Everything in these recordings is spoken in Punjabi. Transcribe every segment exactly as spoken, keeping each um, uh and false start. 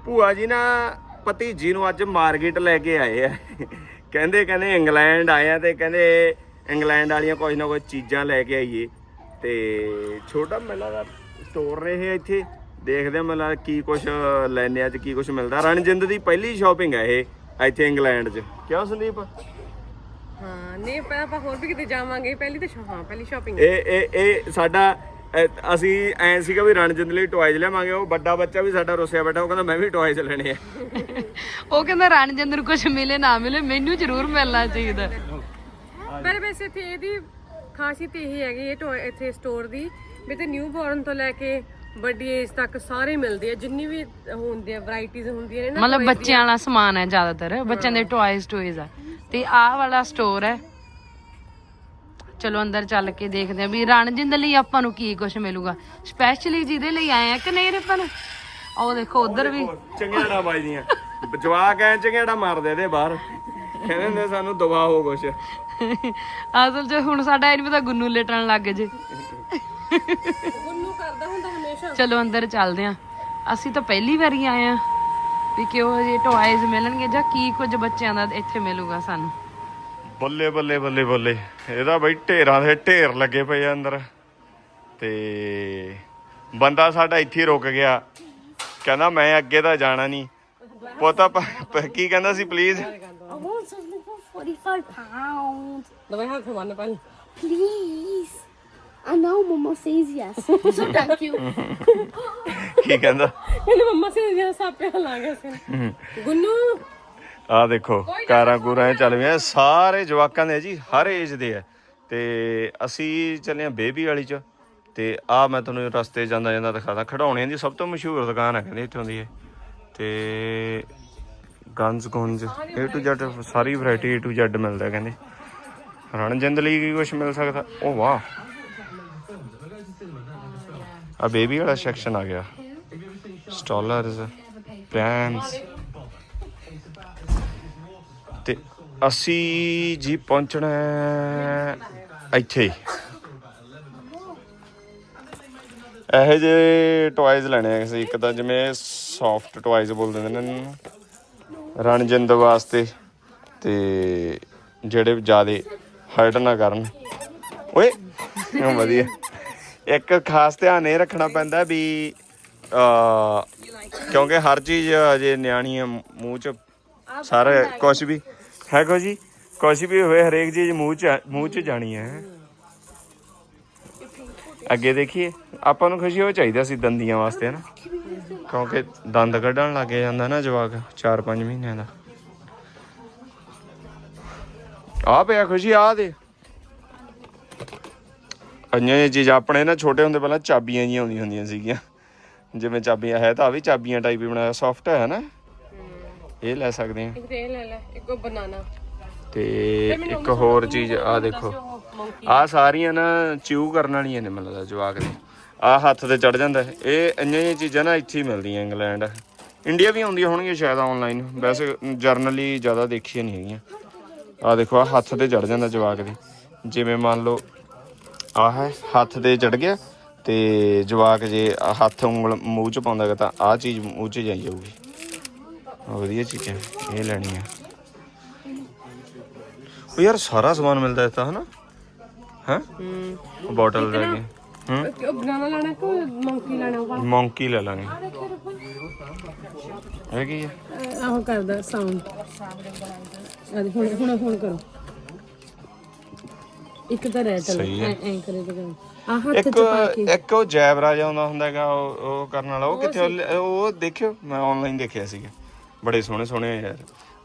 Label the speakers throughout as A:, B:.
A: ਭੂਆ ਜੀ ਨਾ ਭਤੀਜੀ ਨੂੰ ਅੱਜ ਮਾਰਕੀਟ ਲੈ ਕੇ ਆਏ ਆ। ਕਹਿੰਦੇ ਕਹਿੰਦੇ ਇੰਗਲੈਂਡ ਆਏ ਆ ਤੇ ਕਹਿੰਦੇ ਇੰਗਲੈਂਡ ਵਾਲੀਆਂ ਕੁਝ ਨਾ ਕੁਝ ਚੀਜ਼ਾਂ ਲੈ ਕੇ ਆਈਏ। ਤੇ ਛੋਟਾ ਮੇਲਾ ਦਾ ਸਟੋਰ ਨੇ ਇਹ ਇੱਥੇ ਦੇਖਦੇ ਆ ਮੇਲਾ ਕੀ ਕੁਛ ਲੈਣੇ ਅੱਜ ਕੀ ਕੁਛ ਮਿਲਦਾ। ਰਣਜਿੰਦ ਦੀ ਪਹਿਲੀ ਸ਼ਾਪਿੰਗ ਹੈ ਇਹ ਇੱਥੇ ਇੰਗਲੈਂਡ 'ਚ। ਕਿਉਂ ਸੰਦੀਪ?
B: ਹਾਂ ਨਹੀਂ ਪਰ ਆਪਾਂ ਹੋਰ ਵੀ ਕਿਤੇ ਜਾਵਾਂਗੇ। ਪਹਿਲੀ ਤਾਂ ਹਾਂ ਪਹਿਲੀ ਸ਼ਾਪਿੰਗ
A: ਇਹ ਇਹ ਇਹ ਸਾਡਾ ਅਸੀਂ ਐ ਸੀਗਾ ਵੀ ਰਣਜਿੰਦ ਲਈ ਟੋਇਜ਼ ਲਿਆਵਾਂਗੇ। ਉਹ ਵੱਡਾ ਬੱਚਾ ਵੀ ਸਾਡਾ ਰੁੱਸਿਆ ਬੈਠਾ, ਉਹ ਕਹਿੰਦਾ ਮੈਂ ਵੀ ਟੋਇਜ਼ ਲੈਣੇ ਆ।
C: ਉਹ ਕਹਿੰਦਾ ਰਣਜਿੰਦ ਨੂੰ ਕੁਝ ਮਿਲੇ ਨਾ ਮਿਲੇ ਮੈਨੂੰ ਜ਼ਰੂਰ ਮਿਲਣਾ ਚਾਹੀਦਾ।
B: ਪਰ ਵੈਸੇ ਇੱਥੇ ਇਹਦੀ ਖਾਸੀਅਤ ਇਹ ਹੈਗੀ ਇਹ ਟੋਏ ਇੱਥੇ ਸਟੋਰ ਦੀ ਵੀ ਤੇ ਨਿਊ ਬੋਰਨ ਤੋਂ ਲੈ ਕੇ ਵੱਡੀ ਏਜ ਤੱਕ ਸਾਰੇ ਮਿਲਦੇ ਆ। ਜਿੰਨੀ ਵੀ ਹੁੰਦੀ ਆ ਵੈਰਾਈਟੀਜ਼ ਹੁੰਦੀਆਂ ਨੇ ਨਾ
C: ਮਤਲਬ ਬੱਚਿਆਂ ਵਾਲਾ ਸਮਾਨ ਹੈ ਜ਼ਿਆਦਾਤਰ, ਬੱਚਿਆਂ ਦੇ ਟੋਇਜ਼ ਟੋਇਜ਼ ਆ। ਤੇ ਆਹ ਵਾਲਾ ਸਟੋਰ ਹੈ। ਚਲੋ ਅੰਦਰ ਚੱਲ ਕੇ ਦੇਖਦੇ ਆ ਵੀ ਰਣਜਿੰਦ ਲਈ ਆਪਾਂ ਨੂੰ ਕੀ ਕੁਝ ਮਿਲੂਗਾ ਸਪੈਸ਼ਲੀ ਜਿਹਦੇ ਲਈ ਆਏ ਆ ਕਿ ਨਹੀਂ ਰਪਨ। ਉਹ ਦੇਖੋ ਉਧਰ ਵੀ
A: ਚੰਗਿਆੜਾ ਵੱਜਦੀਆਂ ਜਵਾਕ ਐ ਚੰਗਿਆੜਾ ਮਾਰਦੇ ਇਹਦੇ ਬਾਹਰ। ਕਹਿੰਦੇ ਹੁੰਦੇ ਸਾਨੂੰ ਦਵਾ ਹੋ ਕੁਛ।
C: ਅਸਲ 'ਚ ਹੁਣ ਸਾਡਾ ਇਹ ਨੀ ਪਤਾ ਗੁੰਨੂ ਲੇਟਣ ਲੱਗ ਜੇ।
B: ਗੁੰਨੂ ਕਰਦਾ ਹੁੰਦਾ ਹਮੇਸ਼ਾ।
C: ਚਲੋ ਅੰਦਰ ਚੱਲਦੇ ਆ। ਅਸੀਂ ਤਾਂ ਪਹਿਲੀ ਵਾਰੀ ਆਏ ਆ ਵੀ ਕਿਹੋ ਜਿਹੇ ਟੋਇਜ਼ ਮਿਲਣਗੇ ਜਾਂ ਕੀ ਕੁਝ ਬੱਚਿਆਂ ਦਾ ਇੱਥੇ ਮਿਲੂਗਾ ਸਾਨੂੰ।
A: ਬੱਲੇ ਬੱਲੇ ਬੱਲੇ ਬੱਲੇ ਇਹਦਾ ਬਈ ਢੇਰਾਂ ਦੇ ਢੇਰ ਲੱਗੇ ਪਏ ਆ ਅੰਦਰ। ਤੇ ਬੰਦਾ ਸਾਡਾ ਇੱਥੇ ਰੁਕ ਗਿਆ, ਕਹਿੰਦਾ ਮੈਂ ਅੱਗੇ ਤਾਂ ਜਾਣਾ ਨਹੀਂ। ਪੋਤਾ ਕੀ ਕਹਿੰਦਾ ਸੀ? Please
D: I want something for forty-five pounds.
B: ਦਵਾਈ ਹੱਥ ਮਾਰਨਾ ਪਹਿਲਾਂ
D: Please. I know Mama says yes. So thank you.
A: ਕੀ ਕਹਿੰਦਾ?
B: ਇਹਨੇ ਮੰਮਾ ਸੇ ਜਿਹੜਾ ਸਾਪਿਆ ਲਾ ਗਿਆ ਸੀ ਗੁੰਨੂ।
A: ਆਹ ਦੇਖੋ ਕਾਰਾਂ ਕੂਰਾਂ ਚੱਲ ਪਈਆਂ ਸਾਰੇ ਜਵਾਕਾਂ ਦੇ ਜੀ, ਹਰ ਏਜ ਦੇ ਆ। ਤੇ ਅਸੀਂ ਚੱਲੇ ਆ ਬੇਬੀ ਵਾਲੀ 'ਚ। ਤੇ ਆਹ ਮੈਂ ਤੁਹਾਨੂੰ ਰਸਤੇ ਜਾਂਦਾ ਜਾਂਦਾ ਦਿਖਾਦਾ। ਖਿਡੌਣਿਆਂ ਦੀ ਸਭ ਤੋਂ ਮਸ਼ਹੂਰ ਦੁਕਾਨ ਹੈ ਕਹਿੰਦੇ ਇੱਥੋਂ ਦੀ ਇਹ। ਤੇ ਗਨਸ ਗੁੰਜ ਏ ਟੂ ਜ਼ੈਡ ਸਾਰੀ ਵੈਰਾਈਟੀ ਏ ਟੂ ਜ਼ੈਡ ਮਿਲਦਾ ਕਹਿੰਦੇ। ਰਣਜਿੰਦ ਲਈ ਕੀ ਕੁਛ ਮਿਲ ਸਕਦਾ? ਉਹ ਵਾਹ ਆ ਬੇਬੀ ਵਾਲਾ ਸੈਕਸ਼ਨ ਆ ਗਿਆ। Strollers pens. ਤੇ ਅਸੀਂ ਜੀ ਪਹੁੰਚਣਾ ਇੱਥੇ। ਇਹੋ ਜਿਹੇ ਟੋਇਜ਼ ਲੈਣੇ ਆ ਸੀ। ਇੱਕ ਤਾਂ ਜਿਵੇਂ ਸੌਫਟ ਟੋਇਜ਼ ਬੋਲ ਦਿੰਦੇ ਨੇ ਇਹਨਾਂ ਨੂੰ ਰਣਜਿੰਦ ਵਾਸਤੇ, ਤੇ ਜਿਹੜੇ ਜ਼ਿਆਦਾ ਹਰਟ ਨਾ ਕਰਨ। ਓਏ ਵਧੀਆ। ਇੱਕ ਖਾਸ ਧਿਆਨ ਇਹ ਰੱਖਣਾ ਪੈਂਦਾ ਵੀ ਕਿਉਂਕਿ ਹਰ ਚੀਜ਼ ਅਜੇ ਨਿਆਣੀ ਆ, ਮੂੰਹ 'ਚ ਸਾਰਾ ਕੁਛ ਵੀ ਹੈਗਾ ਜੀ। ਕੁਛ ਵੀ ਹੋਏ ਹਰੇਕ ਚੀਜ਼ ਮੂੰਹ 'ਚ ਮੂੰਹ 'ਚ ਜਾਣੀ ਹੈ। ਅੱਗੇ ਦੇਖੀਏ ਆਪਾਂ ਨੂੰ ਖੁਸ਼ੀ ਉਹ ਚਾਹੀਦਾ ਸੀ ਦੰਦੀਆਂ ਵਾਸਤੇ ਨਾ, ਕਿਉਂਕਿ ਦੰਦ ਕੱਢਣ ਲੱਗ ਜਾਂਦਾ ਨਾ ਜਵਾਕ ਚਾਰ ਪੰਜ ਮਹੀਨਿਆਂ ਦਾ। ਆ ਪਿਆ ਖੁਸ਼ੀ ਆ ਦੇ ਅੰਨੀਆਂ ਚੀਜ਼। ਆਪਣੇ ਨਾ ਛੋਟੇ ਹੁੰਦੇ ਪਹਿਲਾਂ ਚਾਬੀਆਂ ਜਿਹੀਆਂ ਆਉਂਦੀਆਂ ਹੁੰਦੀਆਂ ਸੀਗੀਆਂ, ਜਿਵੇਂ ਚਾਬੀਆਂ ਹੈ ਤਾਂ ਆ ਵੀ ਚਾਬੀਆਂ ਟਾਈਪ ਹੀ ਬਣਾਇਆ। ਸੌਫਟ ਹੈ ਨਾ, ਇਹ ਲੈ ਸਕਦੇ ਆ।
B: ਇਹ ਲੈ ਲੈ ਇੱਕ ਬਨਾਨਾ।
A: ਤੇ ਇੱਕ ਹੋਰ ਚੀਜ਼ ਆ ਦੇਖੋ, ਆਹ ਸਾਰੀਆਂ ਨਾ ਚਿਊ ਕਰਨ ਵਾਲੀਆਂ ਨੇ ਮੈਨੂੰ ਲੱਗਦਾ ਜਵਾਕ ਦੇ। ਆਹ ਹੱਥ ਤੇ ਚੜ ਜਾਂਦਾ। ਇਹ ਇੰਨੀਆਂ ਜਿਹੀਆਂ ਚੀਜ਼ਾਂ ਨਾ ਇੱਥੇ ਹੀ ਮਿਲਦੀਆਂ ਇੰਗਲੈਂਡ। ਇੰਡੀਆ ਵੀ ਆਉਂਦੀਆਂ ਹੋਣਗੀਆਂ ਸ਼ਾਇਦ ਔਨਲਾਈਨ, ਵੈਸੇ ਜਰਨਲੀ ਜ਼ਿਆਦਾ ਦੇਖੀਆਂ ਨਹੀਂ ਹੈਗੀਆਂ। ਆਹ ਦੇਖੋ ਆਹ ਹੱਥ ਤੇ ਚੜ ਜਾਂਦਾ ਜਵਾਕ ਦੇ। ਜਿਵੇਂ ਮੰਨ ਲਓ ਆਹ ਹੈ ਹੱਥ ਤੇ ਚੜ ਗਿਆ ਤੇ ਜਵਾਕ ਜੇ ਹੱਥ ਉਂਗਲ ਮੂੰਹ 'ਚ ਪਾਉਂਦਾ ਤਾਂ ਆਹ ਚੀਜ਼ ਮੂੰਹ 'ਚ ਜਾਈ ਜਾਊਗੀ। ਵਧੀਆ ਚੀਜ਼ ਹੈ, ਇਹ ਲੈਣੀ ਆ। ਉਹ ਯਾਰ ਸਾਰਾ ਸਮਾਨ ਮਿਲਦਾ ਇੱਥੇ ਹਨਾ। ਹੈਂ ਬੋਟਲ ਲੈ ਕੇ
B: ਹੂੰ ਬਨਾਨਾ ਲੈਣਾ ਕਿ ਮੰਕੀ ਲੈਣਾ?
A: ਮੰਕੀ ਲੈ ਲਾਂਗੇ। ਇਹ ਕੀ ਹੈ?
B: ਆਹ ਕਰਦਾ ਸਾਊਂਡ। ਆ ਹੁਣ ਹੁਣ ਹੁਣ ਕਰੋ। ਇੱਕ ਤਾਂ ਰੈਟ
A: ਸਹੀ ਹੈ।
B: ਐਂ ਕਰੇ ਤਾਂ ਆਹ ਹੱਥ
A: ਇੱਕ
B: ਚ ਪਾ ਕੇ
A: ਇੱਕ ਉਹ ਜੈਬਰਾ ਜਿਹਾ ਆਉਂਦਾ ਹੁੰਦਾ ਹੈਗਾ, ਉਹ ਉਹ ਕਰਨ ਵਾਲਾ। ਉਹ ਕਿੱਥੇ? ਉਹ ਦੇਖਿਓ, ਮੈਂ ਆਨਲਾਈਨ ਦੇਖਿਆ ਸੀਗਾ। ਬੜੇ ਸੋਹਣੇ ਸੋਹਣੇ ਯਾਰ।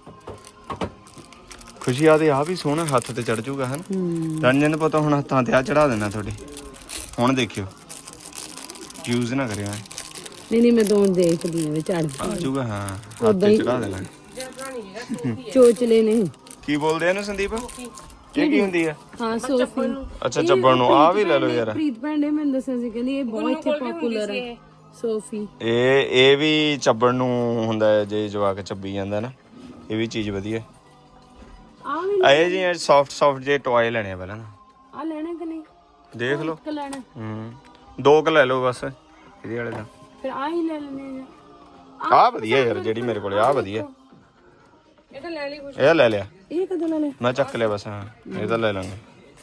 A: ਖੁਸ਼ੀ ਆ ਦੇ ਆ ਵੀ ਸੋਹਣਾ ਹੱਥ ਤੇ ਚੜ ਜੂਗਾ ਹਨ। ਰਣਜਿੰਦ ਪਤਾ ਹੁਣ ਹੱਥਾਂ ਤੇ ਆ ਚੜਾ ਦੇਣਾ ਤੁਹਾਡੇ। ਹੁਣ ਦੇਖਿਓ ਯੂਜ਼ ਨਾ ਕਰਿਓ।
B: ਨਹੀਂ ਨਹੀਂ ਮੈਂ ਦੋਨ ਦੇਖਦੀ ਆ ਚੜ
A: ਆ ਜੂਗਾ। ਹਾਂ ਹੱਥ ਤੇ ਚੜਾ ਦੇਣਾ।
B: ਚੋਚਲੇ ਨੇ
A: ਕੀ ਬੋਲਦੇ ਇਹਨੂੰ ਸੰਦੀਪ? ਇਹ ਕੀ ਹੁੰਦੀ ਆ?
B: ਹਾਂ ਸੋਫੀ।
A: ਅੱਛਾ ਚੱਬਣ ਨੂੰ। ਆ ਵੀ ਲੈ ਲਓ ਯਾਰ।
B: ਪ੍ਰੀਤ ਭੈਣ ਨੇ ਮੈਨੂੰ ਦੱਸਿਆ ਸੀ, ਕਹਿੰਦੀ ਇਹ ਬਹੁਤ ਇੱਥੇ ਪਪੂਲਰ ਹੈ ਸੋਫੀ।
A: ਇਹ ਇਹ ਵੀ ਚੱਬਣ ਨੂੰ ਹੁੰਦਾ ਹੈ ਜੇ ਜਵਾਕ ਚੱਬੀ ਜਾਂਦਾ ਨਾ। ਇਹ ਵੀ ਚੀਜ਼ ਵਧੀਆ।
B: ਆ ਵੀ
A: ਇਹ ਜੀ ਸੌਫਟ ਸੌਫਟ ਜੇ ਟੋਏ ਲੈਣੇ ਆ ਪਹਿਲਾਂ।
B: ਆ ਲੈਣਾ ਕਿ ਨਹੀਂ?
A: ਦੇਖ ਲਓ।
B: ਇੱਕ ਲੈਣਾ।
A: ਹੂੰ ਦੋ ਕੁ ਲੈ ਲਓ ਬਸ ਇਹਦੇ ਵਾਲੇ ਦਾ।
B: ਫਿਰ ਆ ਹੀ ਲੈ ਲੈਣੇ ਆ।
A: ਆ ਵਧੀਆ ਯਾਰ, ਜਿਹੜੀ ਮੇਰੇ ਕੋਲੇ ਆ ਵਧੀਆ।
B: ਇਹ ਤਾਂ ਲੈ ਲਈ ਕੁਛ।
A: ਇਹ ਲੈ ਲਿਆ,
C: ਇਹ ਕਦੋਂ ਲੈ ਲੈ?
A: ਮੈਂ ਚੱਕ ਲਿਆ ਬਸ। ਹਾਂ ਇਹ ਤਾਂ ਲੈ ਲਾਂਗੇ।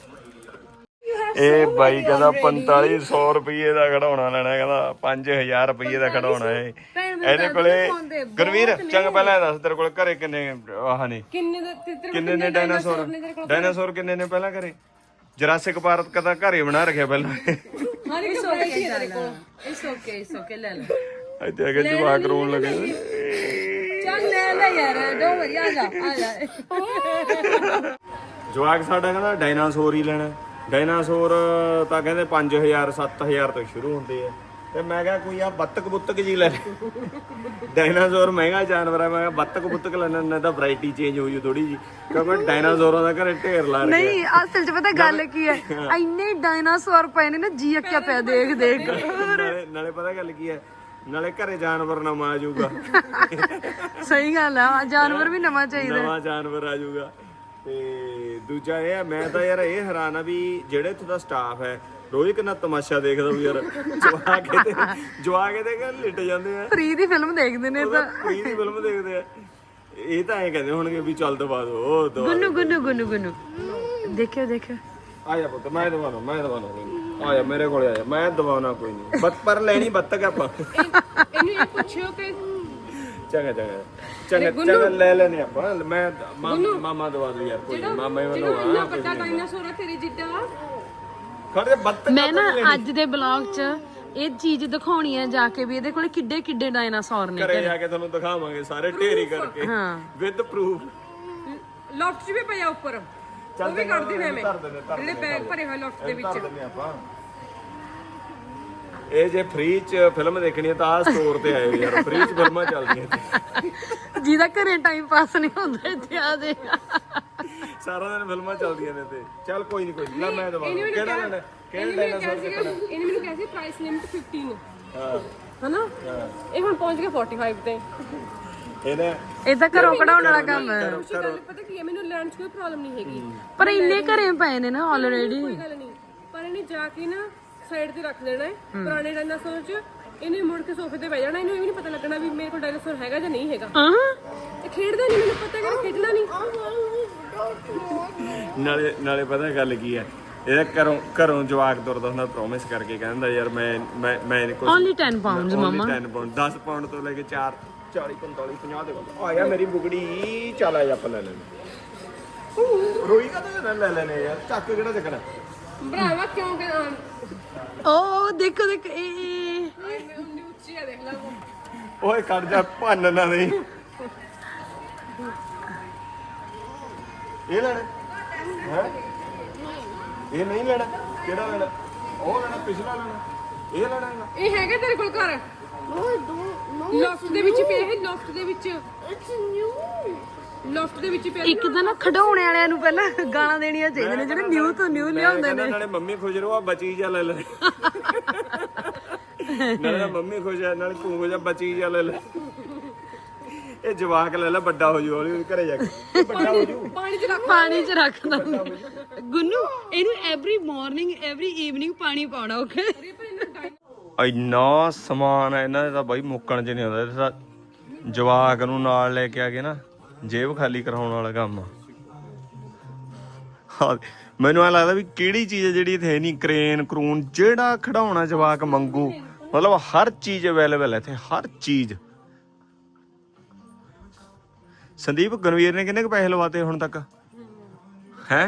A: ਇਹ ਬਾਈ ਕਹਿੰਦਾ ਪੰਤਾਲੀ ਸੌ ਰੁਪਏ ਦਾ ਖਿਡੌਣਾ ਲੈਣਾ, ਕਹਿੰਦਾ ਪੰਜ ਹਜ਼ਾਰ ਰੁਪਏ ਦਾ ਖਿਡੌਣਾ ਹੈ ਇਹਦੇ ਕੋਲੇ। ਗੁਰਵੀਰ ਚੰਗਾ ਪਹਿਲਾਂ ਇਹ ਦੱਸ, ਤੇਰੇ ਕੋਲ ਘਰੇ ਕਿੰਨੇ ਆਹ ਨੇ,
B: ਕਿੰਨੇ ਦਾ ਤੇਰੇ
A: ਕਿੰਨੇ ਨੇ ਡਾਇਨਾਸੌਰ? ਡਾਇਨਾਸੌਰ ਕਿੰਨੇ ਨੇ ਪਹਿਲਾਂ ਘਰੇ? ਜਰਾਸਿਕ ਪਾਰਕ ਕਦਾ ਘਰੇ ਬਣਾ ਰੱਖਿਆ ਪਹਿਲਾਂ।
B: ਹਰ ਇੱਕ ਵੈਰਾਈਟੀ ਹੈ ਤੇਰੇ ਕੋਲ।
C: ਇਟਸ ਓਕੇ ਇਟਸ ਓਕੇ ਲੈ ਲੈ।
A: ਇੱਥੇ ਆ ਕੇ ਜਵਾਕ ਰੋਣ ਲੱਗੇ।
C: ਚੱਲ ਲੈ ਲੈ ਯਾਰ, ਦੋ ਵਧੀਆ ਆ ਜਾ ਆ ਜਾ।
A: ਜਵਾਕ ਸਾਡਾ ਕਹਿੰਦਾ ਡਾਇਨਾਸੌਰ ਹੀ ਲੈਣਾ। ਡਾਇਨਾਸੌਰ ਤਾਂ ਕਹਿੰਦੇ ਪੰਜ ਹਜ਼ਾਰ ਸੱਤ ਹਜ਼ਾਰ ਤੋਂ ਸ਼ੁਰੂ ਹੁੰਦੇ ਆ, ਤੇ ਮੈਂ ਕਿਹਾ ਕੋਈ ਆ ਬੱਤਕ ਬੁੱਤਕ ਜੀ ਲੈ। ਡਾਇਨਾਸੌਰ ਮਹਿੰਗਾ ਜਾਨਵਰ ਹੈ, ਮੈਂ ਕਿਹਾ ਬੱਤਕ ਬੁੱਤਕ ਲੈਣਾ ਨਾ ਤਾਂ ਵੈਰਾਈਟੀ ਚੇਂਜ ਹੋ ਜੂ ਥੋੜੀ ਜੀ, ਕਿਉਂਕਿ ਡਾਇਨਾਸੌਰਾਂ ਦਾ ਘਰੇ ਢੇਰ ਲਾ ਰੱਖਿਆ।
C: ਨਹੀਂ ਅਸਲ 'ਚ ਪਤਾ ਗੱਲ ਕੀ ਹੈ, ਇੰਨੇ ਡਾਇਨਾਸੌਰ ਪਏ ਨੇ ਨਾ, ਜੀ ਅੱਕਿਆ ਪਿਆ ਦੇਖ ਦੇਖ।
A: ਨਾਲੇ ਨਾਲੇ ਪਤਾ ਗੱਲ ਕੀ ਹੈ, ਨਾਲੇ ਘਰੇ ਜਾਨਵਰ ਨਵਾਂ ਆ ਜਾਊਗਾ।
C: ਸਹੀ ਗੱਲ ਆ, ਜਾਨਵਰ ਵੀ ਨਵਾਂ ਚਾਹੀਦਾ।
A: ਨਵਾਂ ਜਾਨਵਰ ਆ ਜਾਊਗਾ। ਤੇ ਦੂਜਾ ਇਹ ਆ, ਮੈਂ ਤਾਂ ਯਾਰ ਇਹ ਹੈਰਾਨ ਆ ਵੀ ਜਿਹੜੇ ਇੱਥੇ ਦਾ ਸਟਾਫ ਹੈ ਰੋਜ਼ ਕਿੰਨਾ ਤਮਾਸ਼ਾ ਦੇਖਦਾ ਵੀ ਯਾਰ। ਜਵਾ ਕੇ ਤੇ ਜਵਾ ਕੇ ਤੇ ਲਿਟ ਜਾਂਦੇ ਆ,
C: ਫ੍ਰੀ ਦੀ ਫਿਲਮ ਦੇਖਦੇ ਨੇ ਤਾਂ।
A: ਕੋਈ ਦੀ ਫਿਲਮ ਦੇਖਦੇ ਆ। ਇਹ ਤਾਂ ਐਂ ਕਹਿੰਦੇ ਹੋਣਗੇ ਵੀ ਚੱਲ ਦਵਾ ਦੋ, ਉਹ ਦਵਾ
C: ਗੁੰਨੂ ਗੁੰਨੂ ਗੁੰਨੂ ਗੁੰਨੂ ਦੇਖਿਓ ਦੇਖਿਓ।
A: ਆ ਜਾ ਪੁੱਤ, ਮੈਂ ਦਵਾਉਣਾ ਮੈਂ ਦਵਾਉਣਾ ਕੋਈ ਨਹੀਂ। ਆ ਜਾ ਮੇਰੇ ਕੋਲੇ ਆ ਜਾ, ਮੈਂ ਦਵਾਉਣਾ ਕੋਈ ਨਹੀਂ। ਬਸ ਪਰ ਲੈਣੀ ਬੱਤਕ ਆਪਾਂ।
B: ਇਹਨੂੰ ਇਹ ਪੁੱਛਿਓ ਕਿ
A: ਚੰਗਾ ਚੰਗਾ ਚੰਗਾ ਚੰਗਾ ਲੈ ਲੈਨੇ ਆਪਾਂ। ਮੈਂ ਮਾਮਾ ਮਾਮਾ ਦਵਾ ਦੂ ਯਾਰ, ਕੋਈ ਨੀ, ਮਾਮਾ ਹੀ
B: ਜਿਹੜਾ
A: ਮੈਨੂੰ
B: ਇੰਨਾ ਵੱਡਾ ਡਾਇਨਾਸੌਰ ਆ ਤੇਰੇ ਜਿੱਡਾ,
A: ਖੜੇ ਬੱਤਕ।
C: ਮੈਂ ਨਾ ਅੱਜ ਦੇ ਬਲੌਗ 'ਚ ਇਹ ਚੀਜ਼ ਦਿਖਾਉਣੀ ਹੈ ਜਾ ਕੇ ਵੀ ਇਹਦੇ ਕੋਲੇ ਕਿੱਡੇ ਕਿੱਡੇ ਡਾਇਨਾਸੌਰ ਨੇ।
A: ਘਰੇ ਜਾ ਕੇ ਤੁਹਾਨੂੰ ਦਿਖਾਵਾਂਗੇ ਸਾਰੇ ਢੇਰੀ ਕਰਕੇ,
C: ਹਾਂ
A: ਵਿਦ ਪ੍ਰੂਫ।
B: ਲੋਫਟ 'ਚ ਵੀ ਪਿਆ ਉੱਪਰ, ਉਹ ਵੀ ਕੱਢਦੀ ਮੈਂ ਜਿਹੜੇ ਬੈਗ ਭਰੇ ਹੋਏ ਲੋਫਟ ਦੇ ਵਿੱਚ।
A: ਆਪਾਂ ਇਹ ਜੇ ਫ੍ਰੀ ਚ ਫਿਲਮ ਦੇਖਣੀ ਹੈ ਤਾਂ ਆ ਸਟੋਰ ਤੇ ਆਇਓ ਯਾਰ, ਫ੍ਰੀ ਚ ਫਿਲਮਾਂ ਚੱਲਦੀਆਂ ਇੱਥੇ।
C: ਜਿਹਦਾ ਘਰੇ ਟਾਈਮ ਪਾਸ ਨਹੀਂ ਹੁੰਦਾ ਇੱਥੇ ਆ ਦੇ।
A: ਸਾਰਾ ਦਿਨ ਫਿਲਮਾਂ ਚੱਲਦੀਆਂ ਨੇ ਤੇ ਚੱਲ ਕੋਈ ਨਹੀਂ ਕੋਈ ਨਹੀਂ, ਲੈ ਮੈਂ ਦਵਾ ਦੂੰ। ਕਿਹੜਾ ਲੈਣਾ? ਕਿਹੜਾ ਡਾਇਨਾਸੌਰ ਦੇਖਣਾ?
B: ਇਹਨੇ ਮੈਨੂੰ ਕਿਹਾ ਸੀ ਪ੍ਰਾਈਸ ਲਿਮਿਟ ਪੰਦਰਾਂ
A: ਹਾਂ
B: ਹਨਾ, ਇਹ ਹੁਣ ਪਹੁੰਚ ਗਿਆ ਪੈਂਤਾਲੀ ਤੇ।
A: ਇਹਨੇ
C: ਇਹ ਤਾਂ ਘਰੋਂ ਕਢਾਉਣ ਵਾਲਾ ਕੰਮ ਹੈ।
B: ਗੱਲ ਪਤਾ ਕੀ ਹੈ, ਮੈਨੂੰ ਲੈਣ 'ਚ ਕੋਈ ਪ੍ਰੋਬਲਮ ਨਹੀਂ ਹੈਗੀ,
C: ਪਰ ਇੰਨੇ ਘਰੇ ਪਏ ਨੇ ਨਾ ਆਲਰੇਡੀ।
B: ਕੋਈ ਗੱਲ ਨਹੀਂ। ਪਰ ਇਹਨੇ ਜਾ ਕੇ ਨਾ ਸਾਈਡ ਤੇ ਰੱਖ ਦੇਣਾ ਹੈ ਪੁਰਾਣੇ ਡਾਇਨਾਸੌਰ 'ਚ। ਇਹਨੇ ਮੁੜ ਕੇ ਸੋਫੇ ਤੇ ਬਹਿ ਜਾਣਾ, ਇਹਨੂੰ ਇਹ ਵੀ ਨਹੀਂ ਪਤਾ ਲੱਗਣਾ ਵੀ ਮੇਰੇ ਕੋਲ ਡਾਇਨਾਸੌਰ ਹੈਗਾ ਜਾਂ ਨਹੀਂ ਹੈਗਾ।
C: ਹਾਂ
B: ਇਹ ਖੇਡਦਾ ਨਹੀਂ, ਮੈਨੂੰ ਪਤਾ ਕਿ ਖੇਡਣਾ ਨਹੀਂ।
A: ਨਾਲੇ ਨਾਲੇ ਪਤਾ ਗੱਲ ਕੀ ਹੈ, ਇਹਦਾ ਘਰੋਂ ਘਰੋਂ ਜਵਾਕ ਤੁਰਦਾ ਹੁੰਦਾ ਪ੍ਰੋਮਿਸ ਕਰਕੇ, ਕਹਿੰਦਾ ਯਾਰ ਮੈਂ ਮੈਂ ਮੈਂ ਕੁਝ
C: ਓਨਲੀ ਦਸ ਪਾਉਂਡਸ ਮਮਾ।
A: ਦਸ ਪਾਉਂਡ ਦਸ ਪਾਉਂਡ ਤੋਂ ਲੈ ਕੇ ਚਾਰ ਚਾਲੀ ਪੰਤਾਲੀ ਪੰਜਾਹ ਦੇ ਕੋਲ ਆਇਆ ਮੇਰੀ ਬੁਗੜੀ। ਚੱਲ ਆ ਜਾ ਆਪਾਂ ਲੈ ਲੈਣੇ। ਰੋਈ ਕਾ ਤਾਂ ਲੈ ਲੈਣੇ ਯਾਰ, ਚੱਕ ਕਿਹੜਾ ਚੱਕਣਾ
B: ਭਰਾਵਾ ਕਿਉਂ ਕਿ
C: ਓ ਦੇਖੋ ਦੇਖ ਇਹ
B: ਉਨੀ ਉੱਚੀ ਆ, ਦੇਖ ਲੈ
A: ਓਏ ਕੱਢ ਜਾ, ਭੰਨ ਨਾ ਦੇ। ਇਹ ਲੈਣਾ ਹੈ? ਇਹ ਨਹੀਂ ਲੈਣਾ? ਕਿਹੜਾ ਲੈਣਾ? ਉਹ ਲੈਣਾ, ਪਿਛਲਾ ਲੈਣਾ, ਇਹ ਲੈਣਾ ਹੈਗਾ?
B: ਇਹ ਹੈਗਾ ਤੇਰੇ ਕੋਲ ਘਰ?
D: No, I don't. No,
B: ਲੋਫਟ ਦੇ ਵਿੱਚ ਪਿਆ ਹੈ, ਲੋਫਟ ਦੇ ਵਿੱਚ,
D: it's new.
B: ਲੋਫਟ ਦੇ ਵਿੱਚ ਪਿਆ।
C: ਇੱਕ ਤਾਂ ਨਾ ਖਿਡੌਣੇ ਵਾਲਿਆਂ ਨੂੰ ਪਹਿਲਾਂ ਗਾਲਾਂ ਦੇਣੀਆਂ ਚਾਹੀਦੀਆਂ ਨੇ, ਜਿਹੜੇ ਨਿਊ ਤੋਂ ਨਿਊ ਲਿਆਉਂਦੇ ਨੇ।
A: ਨਾਲੇ ਮੰਮੀ ਖੁਸ਼ ਰਹੋ, ਆ ਬਚੀ ਜਾ ਲੈ ਲੈ। ਨਾਲੇ ਮੰਮੀ ਖੁਸ਼ ਹੈ, ਨਾਲੇ ਤੂੰ ਖੁਸ਼ ਆ, ਬਚੀ ਜਾ ਲੈ ਲੈ। ਇਹ ਜਵਾਕ ਲੈ ਲੈ, ਵੱਡਾ ਹੋ ਜੂ ਹੌਲੀ ਘਰੇ ਜਾ ਕੇ, ਵੱਡਾ ਹੋ ਜੂ।
B: ਪਾਣੀ 'ਚ ਰੱਖ।
C: ਪਾਣੀ 'ਚ ਰੱਖ ਦੋ ਗੁੰਨੂ, ਇਹਨੂੰ ਐਵਰੀ ਮਾਰਨਿੰਗ ਐਵਰੀ ਈਵਨਿੰਗ ਪਾਣੀ ਪਾਉਣਾ। ਓਕੇ
A: ਇੰਨਾ ਸਮਾਨ ਹੈ ਇਹਨਾਂ ਦਾ ਤਾਂ ਬਾਈ ਮੁੱਕਣ ਚ ਨਹੀਂ ਆਉਂਦਾ। ਇਹ ਤਾਂ ਜਵਾਕ ਨੂੰ ਨਾਲ ਲੈ ਕੇ ਆ ਕੇ ਨਾ ਜੇਬ ਖਾਲੀ ਕਰਾਉਣ ਵਾਲਾ ਕੰਮ ਆ। ਹਾਂ ਮੈਨੂੰ ਐ ਲੱਗਦਾ ਵੀ ਕਿਹੜੀ ਚੀਜ਼ ਹੈ ਜਿਹੜੀ ਇੱਥੇ ਨਹੀਂ, ਕਰੇਨ ਕਰੂਨ ਜਿਹੜਾ ਖਿਡਾਉਣਾ ਜਵਾਕ ਮੰਗੂ, ਮਤਲਬ ਹਰ ਚੀਜ਼ ਅਵੇਲੇਬਲ ਹੈ ਇੱਥੇ, ਹਰ ਚੀਜ਼। ਸੰਦੀਪ ਗਨਵੀਰ ਨੇ ਕਿੰਨੇ ਕੁ ਪੈਸੇ ਲਵਾਤੇ ਹੁਣ ਤੱਕ ਹੈ?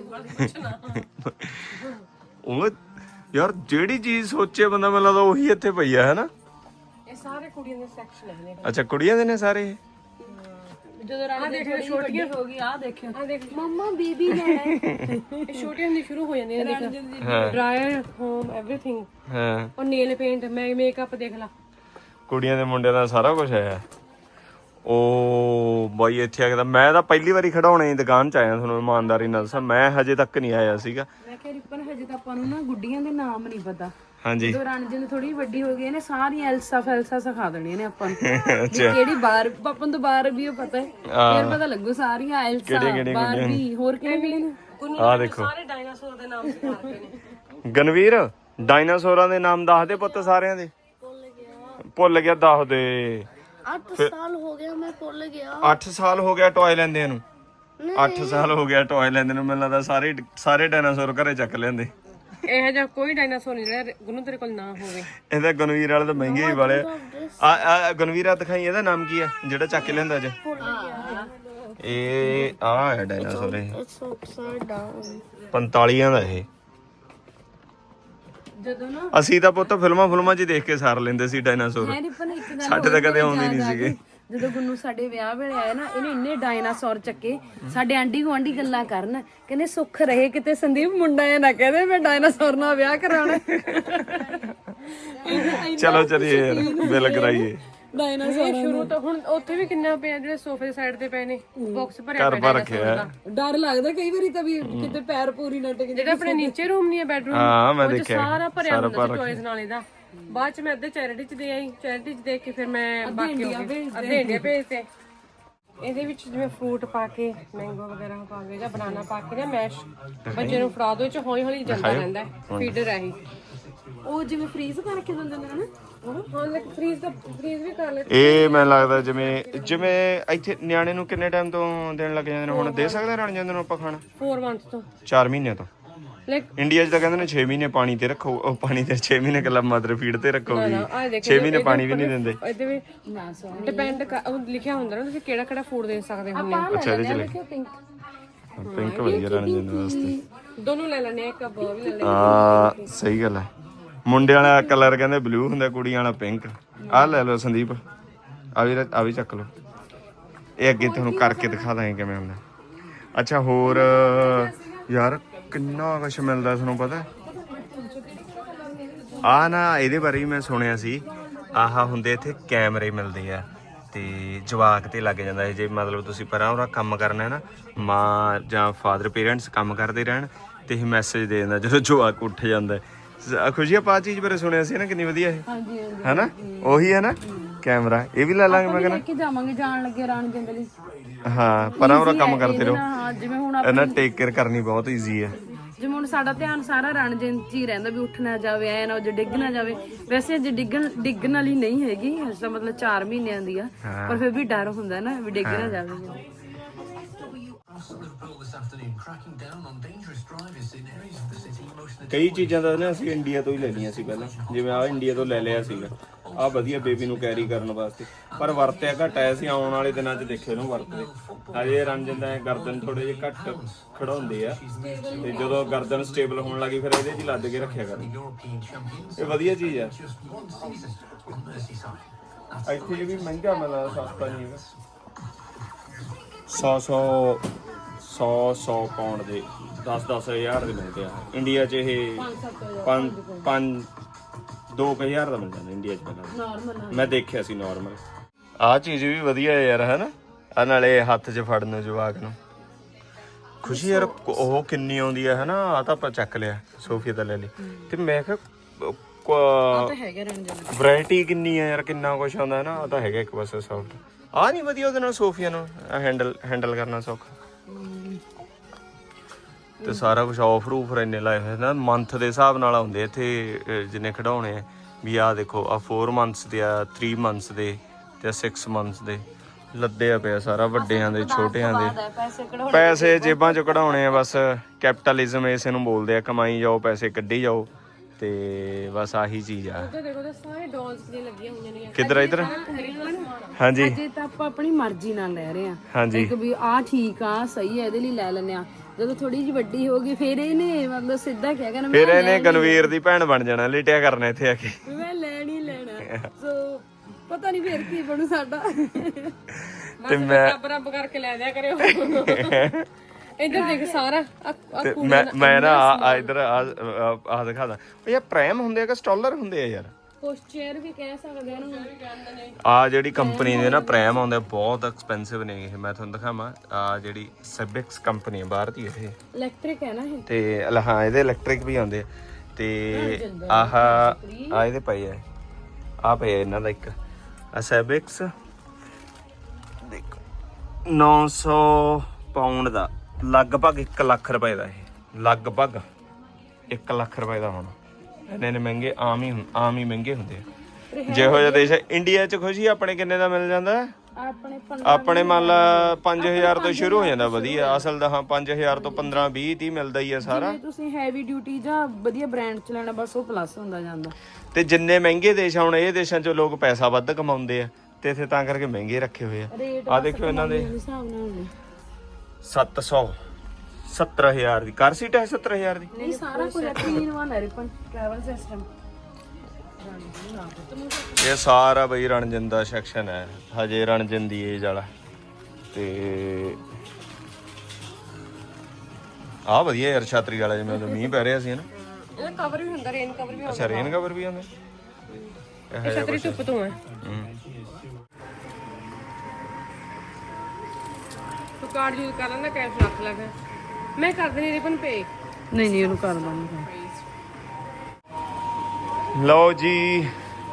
A: ਉਹ ਯਾਰ ਜਿਹੜੀ ਚੀਜ਼ ਸੋਚੇ ਬੰਦਾ, ਮੈਨੂੰ ਲੱਗਦਾ ਉਹੀ ਇੱਥੇ ਪਈ ਆ, ਹੈ ਨਾ?
B: ਇਹ ਸਾਰੇ ਕੁੜੀਆਂ ਦੇ ਸੈਕਸ਼ਨ ਹੈ।
A: ਅੱਛਾ ਕੁੜੀਆਂ ਦੇ ਨੇ ਸਾਰੇ ਇਹ?
C: ਜਦੋਂ ਰਾਣੀ ਦੇ ਛੋਟੀਆਂ ਹੋ ਗਈ ਆ ਦੇਖਿਓ।
B: ਆ ਦੇਖ
D: Mama, baby ਲੈਣਾ ਹੈ।
B: ਇਹ ਛੋਟੀਆਂ ਹੁੰਦੀ ਸ਼ੁਰੂ ਹੋ ਜਾਂਦੀਆਂ ਨੇ, ਦੇਖ ਡਰਾਇਰ, ਹੋਮ, ਐਵਰੀਥਿੰਗ।
A: ਹਾਂ
B: ਔਰ ਨੇਲ ਪੇਂਟ, ਮੈਂ ਮੇਕਅਪ ਦੇਖ ਲਾ।
A: ਕੁੜੀਆਂ ਦੇ ਮੁੰਡਿਆਂ ਦਾ ਸਾਰਾ ਕੁਝ ਹੈ। ਉਹ ਬਾਈ ਇੱਥੇ ਆ ਕੇ ਤਾਂ ਮੈਂ ਤਾਂ ਪਹਿਲੀ ਵਾਰੀ ਖਿਡੌਣੇ ਦੀ ਦੁਕਾਨ ਚ ਆਇਆ, ਤੁਹਾਨੂੰ ਇਮਾਨਦਾਰੀ ਨਾਲ ਦੱਸਾਂ, ਮੈਂ ਹਜੇ ਤੱਕ ਨਹੀਂ ਆਇਆ ਸੀਗਾ।
C: ਮੈਂ ਕਿਹਾ ਰਿਪਨ ਹਜੇ ਤਾਂ ਆਪਾਂ ਨੂੰ ਨਾ ਗੁੱਡੀਆਂ ਦੇ ਨਾਮ ਨਹੀਂ ਪਤਾ।
A: ਹਾਂਜੀ
C: ਜਦੋਂ ਰਣਜਨ ਥੋੜੀ ਵੱਡੀ ਹੋ ਗਈ ਨੇ, ਸਾਰੀਆਂ ਐਲਸਾ ਫੈਲਸਾ ਸਿਖਾ ਦੇਣੀਆਂ ਨੇ ਆਪਾਂ ਨੂੰ। ਵੀ ਕਿਹੜੀ ਬਾਰ ਆਪਾਂ ਨੂੰ ਬਾਰ ਵੀ ਉਹ ਪਤਾ ਹੈ, ਫਿਰ ਪਤਾ ਲੱਗੂ ਸਾਰੀਆਂ ਐਲਸਾ ਬਾਰਬੀ ਹੋਰ ਕਿਹੜੇ ਕਿਹੜੇ ਨੇ।
A: ਆਹ ਦੇਖੋ
B: ਸਾਰੇ ਡਾਇਨਾਸੌਰ ਦੇ ਨਾਮ ਸਿਖਾ ਰਹੇ ਨੇ।
A: ਗਨਵੀਰ ਡਾਇਨਾਸੌਰਾਂ ਦੇ ਨਾਮ ਦੱਸ ਦੇ ਪੁੱਤ ਸਾਰਿਆਂ ਦੇ। ਭੁੱਲ ਗਿਆ ਦੱਸ ਦੇ।
D: आठ साल हो गया मैं भूल गया।
A: ਅੱਠ ਸਾਲ ਹੋ ਗਿਆ ਟੌਏ ਲੈਂਦੇ ਨੂੰ। ਅੱਠ ਸਾਲ ਹੋ ਗਿਆ ਟੌਏ ਲੈਂਦੇ ਨੂੰ। ਮੈਨੂੰ ਲੱਗਦਾ ਸਾਰੇ ਸਾਰੇ ਡਾਇਨਾਸੌਰ ਘਰੇ ਚੱਕ ਲੈਂਦੇ।
B: ਇਹੋ ਜਿਹਾ ਕੋਈ ਡਾਇਨਾਸੌਰ ਨਹੀਂ ਜਿਹੜਾ ਗੁੰਨੂ ਤੇਰੇ ਕੋਲ ਨਾ ਹੋਵੇ।
A: ਇਹਦਾ ਗਨਵੀਰ ਵਾਲੇ ਤਾਂ ਮਹਿੰਗੇ ਹੀ ਵਾਲੇ ਆ। ਆ ਗਨਵੀਰਾ ਦਿਖਾਈ, ਇਹਦਾ ਨਾਮ ਕੀ ਹੈ ਜਿਹੜਾ ਚੱਕ ਕੇ ਲਿਆਂਦਾ ਅੱਜ? ਇਹ ਆ ਹੈ ਡਾਇਨਾਸੌਰ। ਇਹ
D: It's upside down.
A: ਪੰਤਾਲੀਆਂ ਦਾ ਇਹ।
C: ਜਦੋਂ ਨਾ
A: ਅਸੀਂ ਤਾਂ ਪੁੱਤ ਫਿਲਮਾਂ ਫਿਲਮਾਂ 'ਚ ਹੀ ਦੇਖ ਕੇ ਸਾਰ ਲੈਂਦੇ ਸੀ ਡਾਇਨਾਸੌਰ।
C: ਮੈਂ ਰਿਪਨ ਇੱਕ ਗੱਲ
A: ਸਾਡੇ ਤਾਂ ਕਦੇ ਆਉਂਦੇ ਨਹੀਂ ਸੀਗੇ।
C: ਜਦੋਂ ਗੁੰਨੂ ਸਾਡੇ ਵਿਆਹ ਵੇਲੇ ਆਇਆ ਨਾ, ਇਹਨੇ ਇੰਨੇ ਡਾਇਨਾਸੌਰ ਚੱਕੇ। ਸਾਡੇ ਆਂਢੀ ਗੁਆਂਢੀ ਗੱਲਾਂ ਕਰਨ, ਕਹਿੰਦੇ ਸੁੱਖ ਰਹੇ ਕਿਤੇ ਸੰਦੀਪ ਮੁੰਡਾ ਇਹ ਨਾ ਕਹਦੇ ਮੈਂ ਡਾਇਨਾਸੌਰ ਨਾਲ ਵਿਆਹ ਕਰਾਉਣਾ।
A: ਚਲੋ ਚਲੀਏ ਯਾਰ, ਬਿੱਲ ਕਰਾਈਏ।
C: ਡਾਇਨਾਸੌਰ
B: ਸ਼ੁਰੂ ਤੋਂ ਹੁਣ ਉੱਥੇ ਵੀ ਕਿੰਨਾ ਪਿਆ, ਜਿਹੜੇ ਸੋਫੇ ਦੇ ਸਾਈਡ ਤੇ ਪਏ ਨੇ ਬਾਕਸ ਭਰਿਆ
A: ਘਰ
B: ਪਿਆ
A: ਭਰ ਰੱਖਿਆ।
C: ਡਰ ਲੱਗਦਾ ਕਈ ਵਾਰੀ ਤਾਂ ਵੀ ਕਿਤੇ ਪੈਰ ਪੂਰੀ ਨਾ ਟਿਕ
B: ਜਿਹੜਾ ਆਪਣੇ ਨੀਚੇ ਰੂਮ ਨਹੀਂ ਹੈ ਬੈਡਰੂਮ,
A: ਹਾਂ ਮੈਂ
B: ਉਹ 'ਚ
A: ਦੇਖਿਆ
B: ਸਾਰਾ ਭਰਿਆ ਹੁੰਦਾ ਸੀ ਟੌਇਜ਼ ਨਾਲ ਇਹਦਾ। ਬਾਅਦ ਚ ਮੈਂ ਅੱਧੇ ਚੈਰਿਟੀ ਚ ਦੇ ਆਈ, ਚੈਰਿਟੀ ਚ ਦੇਖ ਕੇ ਫਿਰ ਮੈਂ ਬਾਕੀ ਹੋ ਗਏ ਅੱਧੇ ਇੰਡੀਆ ਭੇਜਤੇ। ਇਹਦੇ ਵਿੱਚ ਜਿਵੇਂ ਫਰੂਟ ਪਾ ਕੇ, ਮੈਂਗੋ ਵਗੈਰਾ ਪਾ ਕੇ ਜਾਂ ਬਨਾਨਾ ਪਾ ਕੇ ਜਾਂ ਮੈਸ਼ ਬੱਚੇ ਨੂੰ ਫੜਾ ਦੋ, ਚ ਹੌਲੀ ਹੌਲੀ ਜਾਂਦਾ ਰਹਿੰਦਾ ਹੈ। ਫੀਡਰ ਹੈ ਇਹ।
C: ਉਹ ਜਿਵੇਂ ਫ੍ਰੀਜ਼ ਕਰਕੇ ਦਿੰਦੇ ਨੇ ਨਾ,
B: ਹਾਂ ਲਾਈਕ ਫ੍ਰੀਜ਼ ਦਾ ਫ੍ਰੀਜ਼ ਵੀ ਕਰ ਲੈ।
A: ਇਹ ਮੈਨੂੰ ਲੱਗਦਾ ਜਿਵੇਂ ਜਿਵੇਂ ਇੱਥੇ ਨਿਆਣੇ ਨੂੰ ਕਿੰਨੇ ਟਾਈਮ ਤੋਂ ਦੇਣ ਲੱਗ ਜਾਂਦੇ ਨੇ? ਹੁਣ ਦੇ ਸਕਦੇ ਰਣ ਜਾਂਦੇ ਨੂੰ ਆਪਾਂ ਖਾਣਾ
B: ਚਾਰ ਮੰਥ ਤੋਂ
A: ਚਾਰ ਮਹੀਨੇ ਤੋਂ।
B: ਲਾਈਕ
A: ਇੰਡੀਆ 'ਚ ਤਾਂ ਕਹਿੰਦੇ ਨੇ ਛੇ ਮਹੀਨੇ ਪਾਣੀ ਤੇ ਰੱਖੋ। ਉਹ ਪਾਣੀ ਤੇ ਛੇ ਮਹੀਨੇ ਕੱਲਾ ਮਦਰ ਫੀਡ ਤੇ ਰੱਖੋਗੀ, ਛੇ ਮਹੀਨੇ ਪਾਣੀ ਵੀ ਨਹੀਂ ਦਿੰਦੇ।
B: ਇਹਦੇ ਵੀ ਡਿਪੈਂਡ ਉਹ ਲਿਖਿਆ ਹੁੰਦਾ ਨਾ ਤੁਸੀਂ ਕਿਹੜਾ ਕਿਹੜਾ ਫੂਡ ਦੇ ਸਕਦੇ ਹੋ।
A: ਅੱਛਾ ਇਹਦੇ 'ਚ ਲਿਖਿਆ ਪਿੰਕ ਵਧੀਆ ਰਣ ਜਾਂਦੇ ਵਾਸਤੇ।
B: ਦੋਨੋਂ ਲੈ ਲੈਣੇ, ਇੱਕ ਅਬ ਵੀ ਲੈ ਲੈ।
A: ਹਾਂ ਸਹੀ ਗੱਲ ਹੈ। ਮੁੰਡੇ ਵਾਲਾ ਕਲਰ ਕਹਿੰਦੇ ਬਲੂ ਹੁੰਦਾ, ਕੁੜੀਆਂ ਵਾਲਾ ਪਿੰਕ। ਆਹ ਲੈ ਲਓ ਸੰਦੀਪ, ਆ ਵੀ ਆ ਵੀ ਚੱਕ ਲਓ। ਇਹ ਅੱਗੇ ਤੁਹਾਨੂੰ ਕਰਕੇ ਦਿਖਾ ਦਾਂਗੇ ਕਿਵੇਂ ਹੁੰਦਾ। ਅੱਛਾ ਹੋਰ ਯਾਰ ਕਿੰਨਾ ਕੁਛ ਮਿਲਦਾ ਤੁਹਾਨੂੰ ਪਤਾ? ਆ ਨਾ ਇਹਦੇ ਬਾਰੇ ਵੀ ਮੈਂ ਸੁਣਿਆ ਸੀ। ਆਹ ਹੁੰਦੇ ਇੱਥੇ ਕੈਮਰੇ ਮਿਲਦੇ ਆ ਤੇ ਜਵਾਕ ਤੇ ਲੱਗ ਜਾਂਦਾ। ਜੇ ਮਤਲਬ ਤੁਸੀਂ ਪਰਾਂ ਉਹਦਾ ਕੰਮ ਕਰਨਾ ਹੈ ਨਾ, ਮਾਂ ਜਾਂ ਫਾਦਰ ਪੇਰੈਂਟਸ ਕੰਮ ਕਰਦੇ ਰਹਿਣ ਤੇ ਇਹ ਮੈਸੇਜ ਦੇ ਦਿੰਦਾ ਜਦੋਂ ਜਵਾਕ ਉੱਠ ਜਾਂਦਾ। ਖੁਸ਼ੀ ਆਪਾਂ ਚੀਜ਼ ਬਾਰੇ ਸੁਣਿਆ ਸੀ ਨਾ, ਕਿੰਨੀ ਵਧੀਆ ਇਹ ਹੈ ਨਾ? ਉਹੀ ਹੈ ਨਾ ਕੈਮਰਾ। ਇਹ ਵੀ ਲੈ ਲਾਂਗੇ ਮੈਂ ਕਹਿੰਦਾ।
C: ਕਿ ਜਾਵਾਂਗੇ ਜਾਣ ਲੱਗੇ ਰਾਣ ਜੰਗਲੀ।
A: ਹਾਂ ਪਰਾਂ ਉਹਦਾ ਕੰਮ ਕਰਦੇ ਰਹੋ।
C: ਹਾਂ ਜਿਵੇਂ ਹੁਣ
A: ਇਹਨਾਂ ਟੇਕ ਕੇਅਰ ਕਰਨੀ ਬਹੁਤ ਈਜ਼ੀ ਹੈ।
C: ਜਿਵੇਂ ਹੁਣ ਸਾਡਾ ਧਿਆਨ ਸਾਰਾ ਰਣਜਨ ਚ ਹੀ ਰਹਿੰਦਾ ਵੀ ਉੱਠ ਨਾ ਜਾਵੇ, ਐ ਨਾ ਜੇ ਡਿੱਗ ਨਾ ਜਾਵੇ। ਵੈਸੇ ਅਜੇ ਡਿੱਗਣ ਡਿੱਗਣ ਵਾਲੀ ਨਹੀਂ ਹੈਗੀ, ਅਜੇ ਤਾਂ ਮਤਲਬ ਚਾਰ ਮਹੀਨਿਆਂ ਦੀ ਆ, ਪਰ ਫਿਰ ਵੀ ਡਰ ਹੁੰਦਾ ਨਾ ਵੀ ਡਿੱਗ ਨਾ ਜਾਵੇ।
A: ਕਈ ਚੀਜ਼ਾਂ ਤਾਂ ਨਾ ਅਸੀਂ ਇੰਡੀਆ ਤੋਂ ਹੀ ਲੈ ਲਈਆਂ ਸੀ ਪਹਿਲਾਂ। ਜਿਵੇਂ ਆ ਇੰਡੀਆ ਤੋਂ ਲੈ ਲਿਆ ਸੀਗਾ, ਆ ਵਧੀਆ ਬੇਬੀ ਨੂੰ ਕੈਰੀ ਕਰਨ ਵਾਸਤੇ, ਪਰ ਵਰਤਿਆ ਘੱਟ ਆਇਆ ਸੀ। ਆਉਣ ਵਾਲੇ ਦਿਨਾਂ 'ਚ ਦੇਖਿਓ ਇਹਨੂੰ ਵਰਤਦੇ। ਹਜੇ ਰਣ ਜਾਂਦਾ ਹੈ, ਗਰਦਨ ਥੋੜੇ ਜਿਹੇ ਘੱਟ ਖੜਾਉਂਦੇ ਆ, ਤੇ ਜਦੋਂ ਗਰਦਨ ਸਟੇਬਲ ਹੋਣ ਲੱਗੀ ਫਿਰ ਇਹਦੇ 'ਚ ਲੱਦ ਕੇ ਰੱਖਿਆ ਕਰ। ਇਹ ਵਧੀਆ ਚੀਜ਼ ਆ। ਇੱਥੇ ਇਹ ਵੀ ਮਹਿੰਗਾ ਮਿਲਦਾ, ਸਸਤਾ ਨਹੀਂ ਹੈਗਾ। ਸੌ ਸੌ ਸੌ ਸੌ ਪਾਉਂਡ ਦੇ ਦਸ ਦਸ ਹਜ਼ਾਰ ਦੇ ਮਿਲਦੇ ਆ। ਇੰਡੀਆ 'ਚ ਇਹ ਪੰਜ ਪੰਜ ਦੋ ਕੁ ਹਜ਼ਾਰ ਦਾ ਮਿਲ ਜਾਂਦਾ ਇੰਡੀਆ 'ਚ ਪਹਿਲਾਂ। ਮੈਂ ਦੇਖਿਆ ਸੀ ਨਾਰਮਲ। ਆਹ ਚੀਜ਼ ਵੀ ਵਧੀਆ ਹੈ ਯਾਰ, ਹੈ ਨਾ? ਆ ਨਾਲੇ ਹੱਥ 'ਚ ਫੜਨ ਨੂੰ ਜਵਾਕ ਨੂੰ ਖੁਸ਼ੀ ਯਾਰ। ਉਹ ਕਿੰਨੀ ਆਉਂਦੀ ਹੈ, ਹੈ ਨਾ? ਆ ਤਾਂ ਆਪਾਂ ਚੱਕ ਲਿਆ, ਸੋਫੀਆ ਤਾਂ ਲੈ ਲਈ। ਤੇ ਮੈਂ ਕਿਹਾ ਵੈਰਾਈਟੀ ਕਿੰਨੀ ਹੈ ਯਾਰ, ਕਿੰਨਾ ਕੁਛ ਆਉਂਦਾ ਹੈ ਨਾ। ਆ ਤਾਂ ਹੈਗਾ ਇੱਕ ਪਾਸੇ ਸੌਫਟ। ਆ ਨਹੀਂ ਵਧੀਆ ਉਹਦੇ ਨਾਲ ਸੋਫੀਆ ਨੂੰ ਹੈਂਡਲ ਹੈਂਡਲ ਕਰਨਾ ਸੌਖਾ। ਤੇ ਸਾਰਾ ਕੁਝ ਆਫਰ ਊਫਰ ਇੰਨੇ ਲਾਏ ਹੋਏ ਨਾ, ਮੰਥ ਦੇ ਹਿਸਾਬ ਨਾਲ ਆਉਂਦੇ ਇੱਥੇ ਜਿੰਨੇ ਖਿਡੌਣੇ ਆ। ਵੀ ਆਹ ਦੇਖੋ, ਆ ਫੋਰ ਮੰਥਸ ਦੇ ਆ, ਥ੍ਰੀ ਮੰਥਸ ਦੇ ਤੇ ਸਿਕਸ ਮੰਥਸ ਦੇ ਲੱਦਿਆ ਪਿਆ ਸਾਰਾ, ਵੱਡਿਆਂ ਦੇ ਛੋਟਿਆਂ ਦੇ। ਪੈਸੇ ਜੇਬਾਂ ਚੋਂ ਕਢਾਉਣੇ ਆ ਬਸ। ਕੈਪੀਟਲਿਜ਼ਮ ਇਸੇ ਨੂੰ ਬੋਲਦੇ ਆ, ਕਮਾਈ ਜਾਓ ਪੈਸੇ ਕੱਢੀ ਜਾਓ, ਤੇ ਬਸ ਆਹੀ ਚੀਜ਼ ਆ।
B: ਦੇਖੋ ਤਾਂ ਸਾਰੇ ਡਾਲਸ ਦੀਆਂ ਲੱਗੀਆਂ ਹੋਈਆਂ ਨੇ।
A: ਕਿੱਧਰ ਇਧਰ? ਹਾਂਜੀ
C: ਅਜੇ ਤਾਂ ਆਪਾਂ ਆਪਣੀ ਮਰਜ਼ੀ ਨਾਲ ਲੈ ਰਹੇ ਆ।
A: ਹਾਂਜੀ
C: ਇੱਕ ਵੀ ਆ ਠੀਕ ਆ, ਸਹੀ ਹੈ, ਇਹਦੇ ਲਈ ਲੈ ਲੈਨੇ ਆ। ਜਦੋਂ ਥੋੜੀ ਜਿਹੀ ਵੱਡੀ ਹੋ ਗਈ ਫਿਰ ਇਹਨੇ ਮਤਲਬ ਸਿੱਧਾ ਕਹਿ ਕਹਿਣਾ
A: ਫਿਰ ਇਹਨੇ ਗਨਵੀਰ ਦੀ ਭੈਣ ਬਣ ਜਾਣਾ, ਲਿਟਿਆ ਕਰਨਾ ਇੱਥੇ ਆ ਕੇ।
C: ਮੈਂ ਲੈਣ ਹੀ ਲੈਣਾ। ਸੋ ਪਤਾ ਨਹੀਂ ਫਿਰ ਕੀ ਬਣੂ ਸਾਡਾ।
A: ਤੇ ਮੈਂ
B: ਰੱਬ ਰੱਬ ਕਰਕੇ ਲੈ ਦਿਆ ਕਰਿਓ। ਇੱਧਰ ਦੇਖ ਸਾਰਾ
A: ਤੇ ਮੈਂ ਮੈਂ ਨਾ ਆ ਇਧਰ ਆ ਦਿਖਾਦਾ। ਉਹ ਯਾਰ ਪ੍ਰੈਮ ਹੁੰਦੇ ਆ ਕਿ ਸਟਾਲਰ ਹੁੰਦੇ ਆ ਯਾਰ?
C: ਪੋਸਚਰ ਵੀ ਕਹਿ ਸਕਦੇ ਆ ਉਹਨੂੰ।
A: ਆ ਜਿਹੜੀ ਕੰਪਨੀ ਦੇ ਨਾ ਪ੍ਰੈਮ ਆਉਂਦੇ ਬਹੁਤ ਐਕਸਪੈਂਸਿਵ ਨੇ ਇਹ। ਮੈਂ ਤੁਹਾਨੂੰ ਦਿਖਾਵਾਂ, ਆ ਜਿਹੜੀ ਸੈਬਿਕਸ ਕੰਪਨੀ ਹੈ ਬਾਹਰ ਦੀ, ਇਹ
C: ਇਲੈਕਟ੍ਰਿਕ ਹੈ ਨਾ ਇਹ।
A: ਤੇ ਹਾਂ ਇਹਦੇ ਇਲੈਕਟ੍ਰਿਕ ਵੀ ਆਉਂਦੇ ਆ। ਤੇ ਆਹ ਆ ਇਹਦੇ ਪਏ ਆ, ਆ ਪਏ ਇਹਨਾਂ ਦਾ ਇੱਕ ਆ ਸੈਬਿਕਸ। ਦੇਖੋ ਨੌ ਸੌ ਪਾਉਂਡ ਦਾ, ਲਗਭਗ ਇੱਕ ਲੱਖ ਰੁਪਏ ਦਾ। ਇਹ ਲਗਭਗ ਇੱਕ ਲੱਖ ਰੁਪਏ ਦਾ ਹੋਣਾ। ਇੰਨੇ ਨੇ ਮਹਿੰਗੇ ਆਮ ਹੀ ਆਮ ਹੀ ਮਹਿੰਗੇ ਹੁੰਦੇ ਆ। ਜਿਹੋ ਜਿਹਾ ਦੇਸ਼ ਹੈ। ਇੰਡੀਆ 'ਚ ਖੁਸ਼ੀ ਆਪਣੇ ਕਿੰਨੇ ਦਾ ਮਿਲ ਜਾਂਦਾ?
C: ਆਪਣੇ
A: ਆਪਣੇ ਮੰਨ ਲਾ ਪੰਜ ਹਜ਼ਾਰ ਤੋਂ ਸ਼ੁਰੂ ਹੋ ਜਾਂਦਾ ਵਧੀਆ। ਅਸਲ ਦਾ ਹਾਂ ਪੰਜ ਹਜ਼ਾਰ ਤੋਂ ਪੰਦਰਾਂ ਵੀਹ ਤੀਹ ਮਿਲਦਾ ਹੀ ਆ ਸਾਰਾ।
C: ਜੇ ਤੁਸੀਂ ਹੈਵੀ ਡਿਊਟੀ ਜਾਂ ਵਧੀਆ ਬ੍ਰਾਂਡ ਚ ਲੈਣਾ ਬਸ ਉਹ ਪਲੱਸ ਹੁੰਦਾ ਜਾਂਦਾ।
A: ਤੇ ਜਿੰਨੇ ਮਹਿੰਗੇ ਦੇਸ਼ ਹੁਣ ਇਹ ਦੇਸ਼ਾਂ 'ਚ ਲੋਕ ਪੈਸਾ ਵੱਧ ਕਮਾਉਂਦੇ ਆ ਤੇ ਇੱਥੇ ਤਾਂ ਕਰਕੇ ਮਹਿੰਗੇ ਰੱਖੇ ਹੋਏ ਆ। ਆ ਦੇਖੋ ਇਹਨਾਂ ਦੇ
C: ਹਿਸਾਬ ਨਾਲ
A: ਸੱਤ ਸੌ ਸੱਤਰ ਹਜ਼ਾਰ ਦੀ ਕਾਰ ਸੀਟ ਹੈ। ਸੱਤਰ ਹਜ਼ਾਰ ਦੀ
C: ਨਹੀਂ ਸਾਰਾ ਕੁਝ ਤਿੰਨ ਇਨ ਵਨ ਹੈ ਰਿਪਨ ਟਰੈਵਲ ਸਿਸਟਮ।
A: ਇਹ ਸਾਰਾ ਬਈ ਰਣਜਨ ਦਾ ਸੈਕਸ਼ਨ ਹੈ ਹਜੇ ਰਣਜਨ ਦੀ ਏਜ ਵਾਲਾ। ਤੇ ਆ ਵਧੀਆ ਯਾਰ ਛਾਤਰੀ ਵਾਲਾ ਜਿਵੇਂ ਉਦੋਂ ਮੀਂਹ ਪੈ ਰਿਹਾ ਸੀ ਨਾ।
B: ਇਹਦਾ ਕਵਰ ਵੀ ਹੁੰਦਾ ਰੇਨ ਕਵਰ ਵੀ ਹੁੰਦਾ।
A: ਅੱਛਾ ਰੇਨ ਕਵਰ ਵੀ ਆਉਂਦੇ
B: ਇਹ ਛਤਰੀ ਧੁੱਪ ਤੋਂ ਹੈ। ਤੂੰ ਕਾਰਡ ਯੂਜ਼ ਕਰ ਲੈਂਦਾ ਕੈਸ਼ ਰੱਖ ਲੈ ਫਿਰ। ਮੈਂ ਕਰ ਦੇਣੀ ਰਿਪਨ ਪੇ।
C: ਨਹੀਂ ਨਹੀਂ ਉਹਨੂੰ ਕਰ ਦਾਂਗੇ।
A: ਲਓ ਜੀ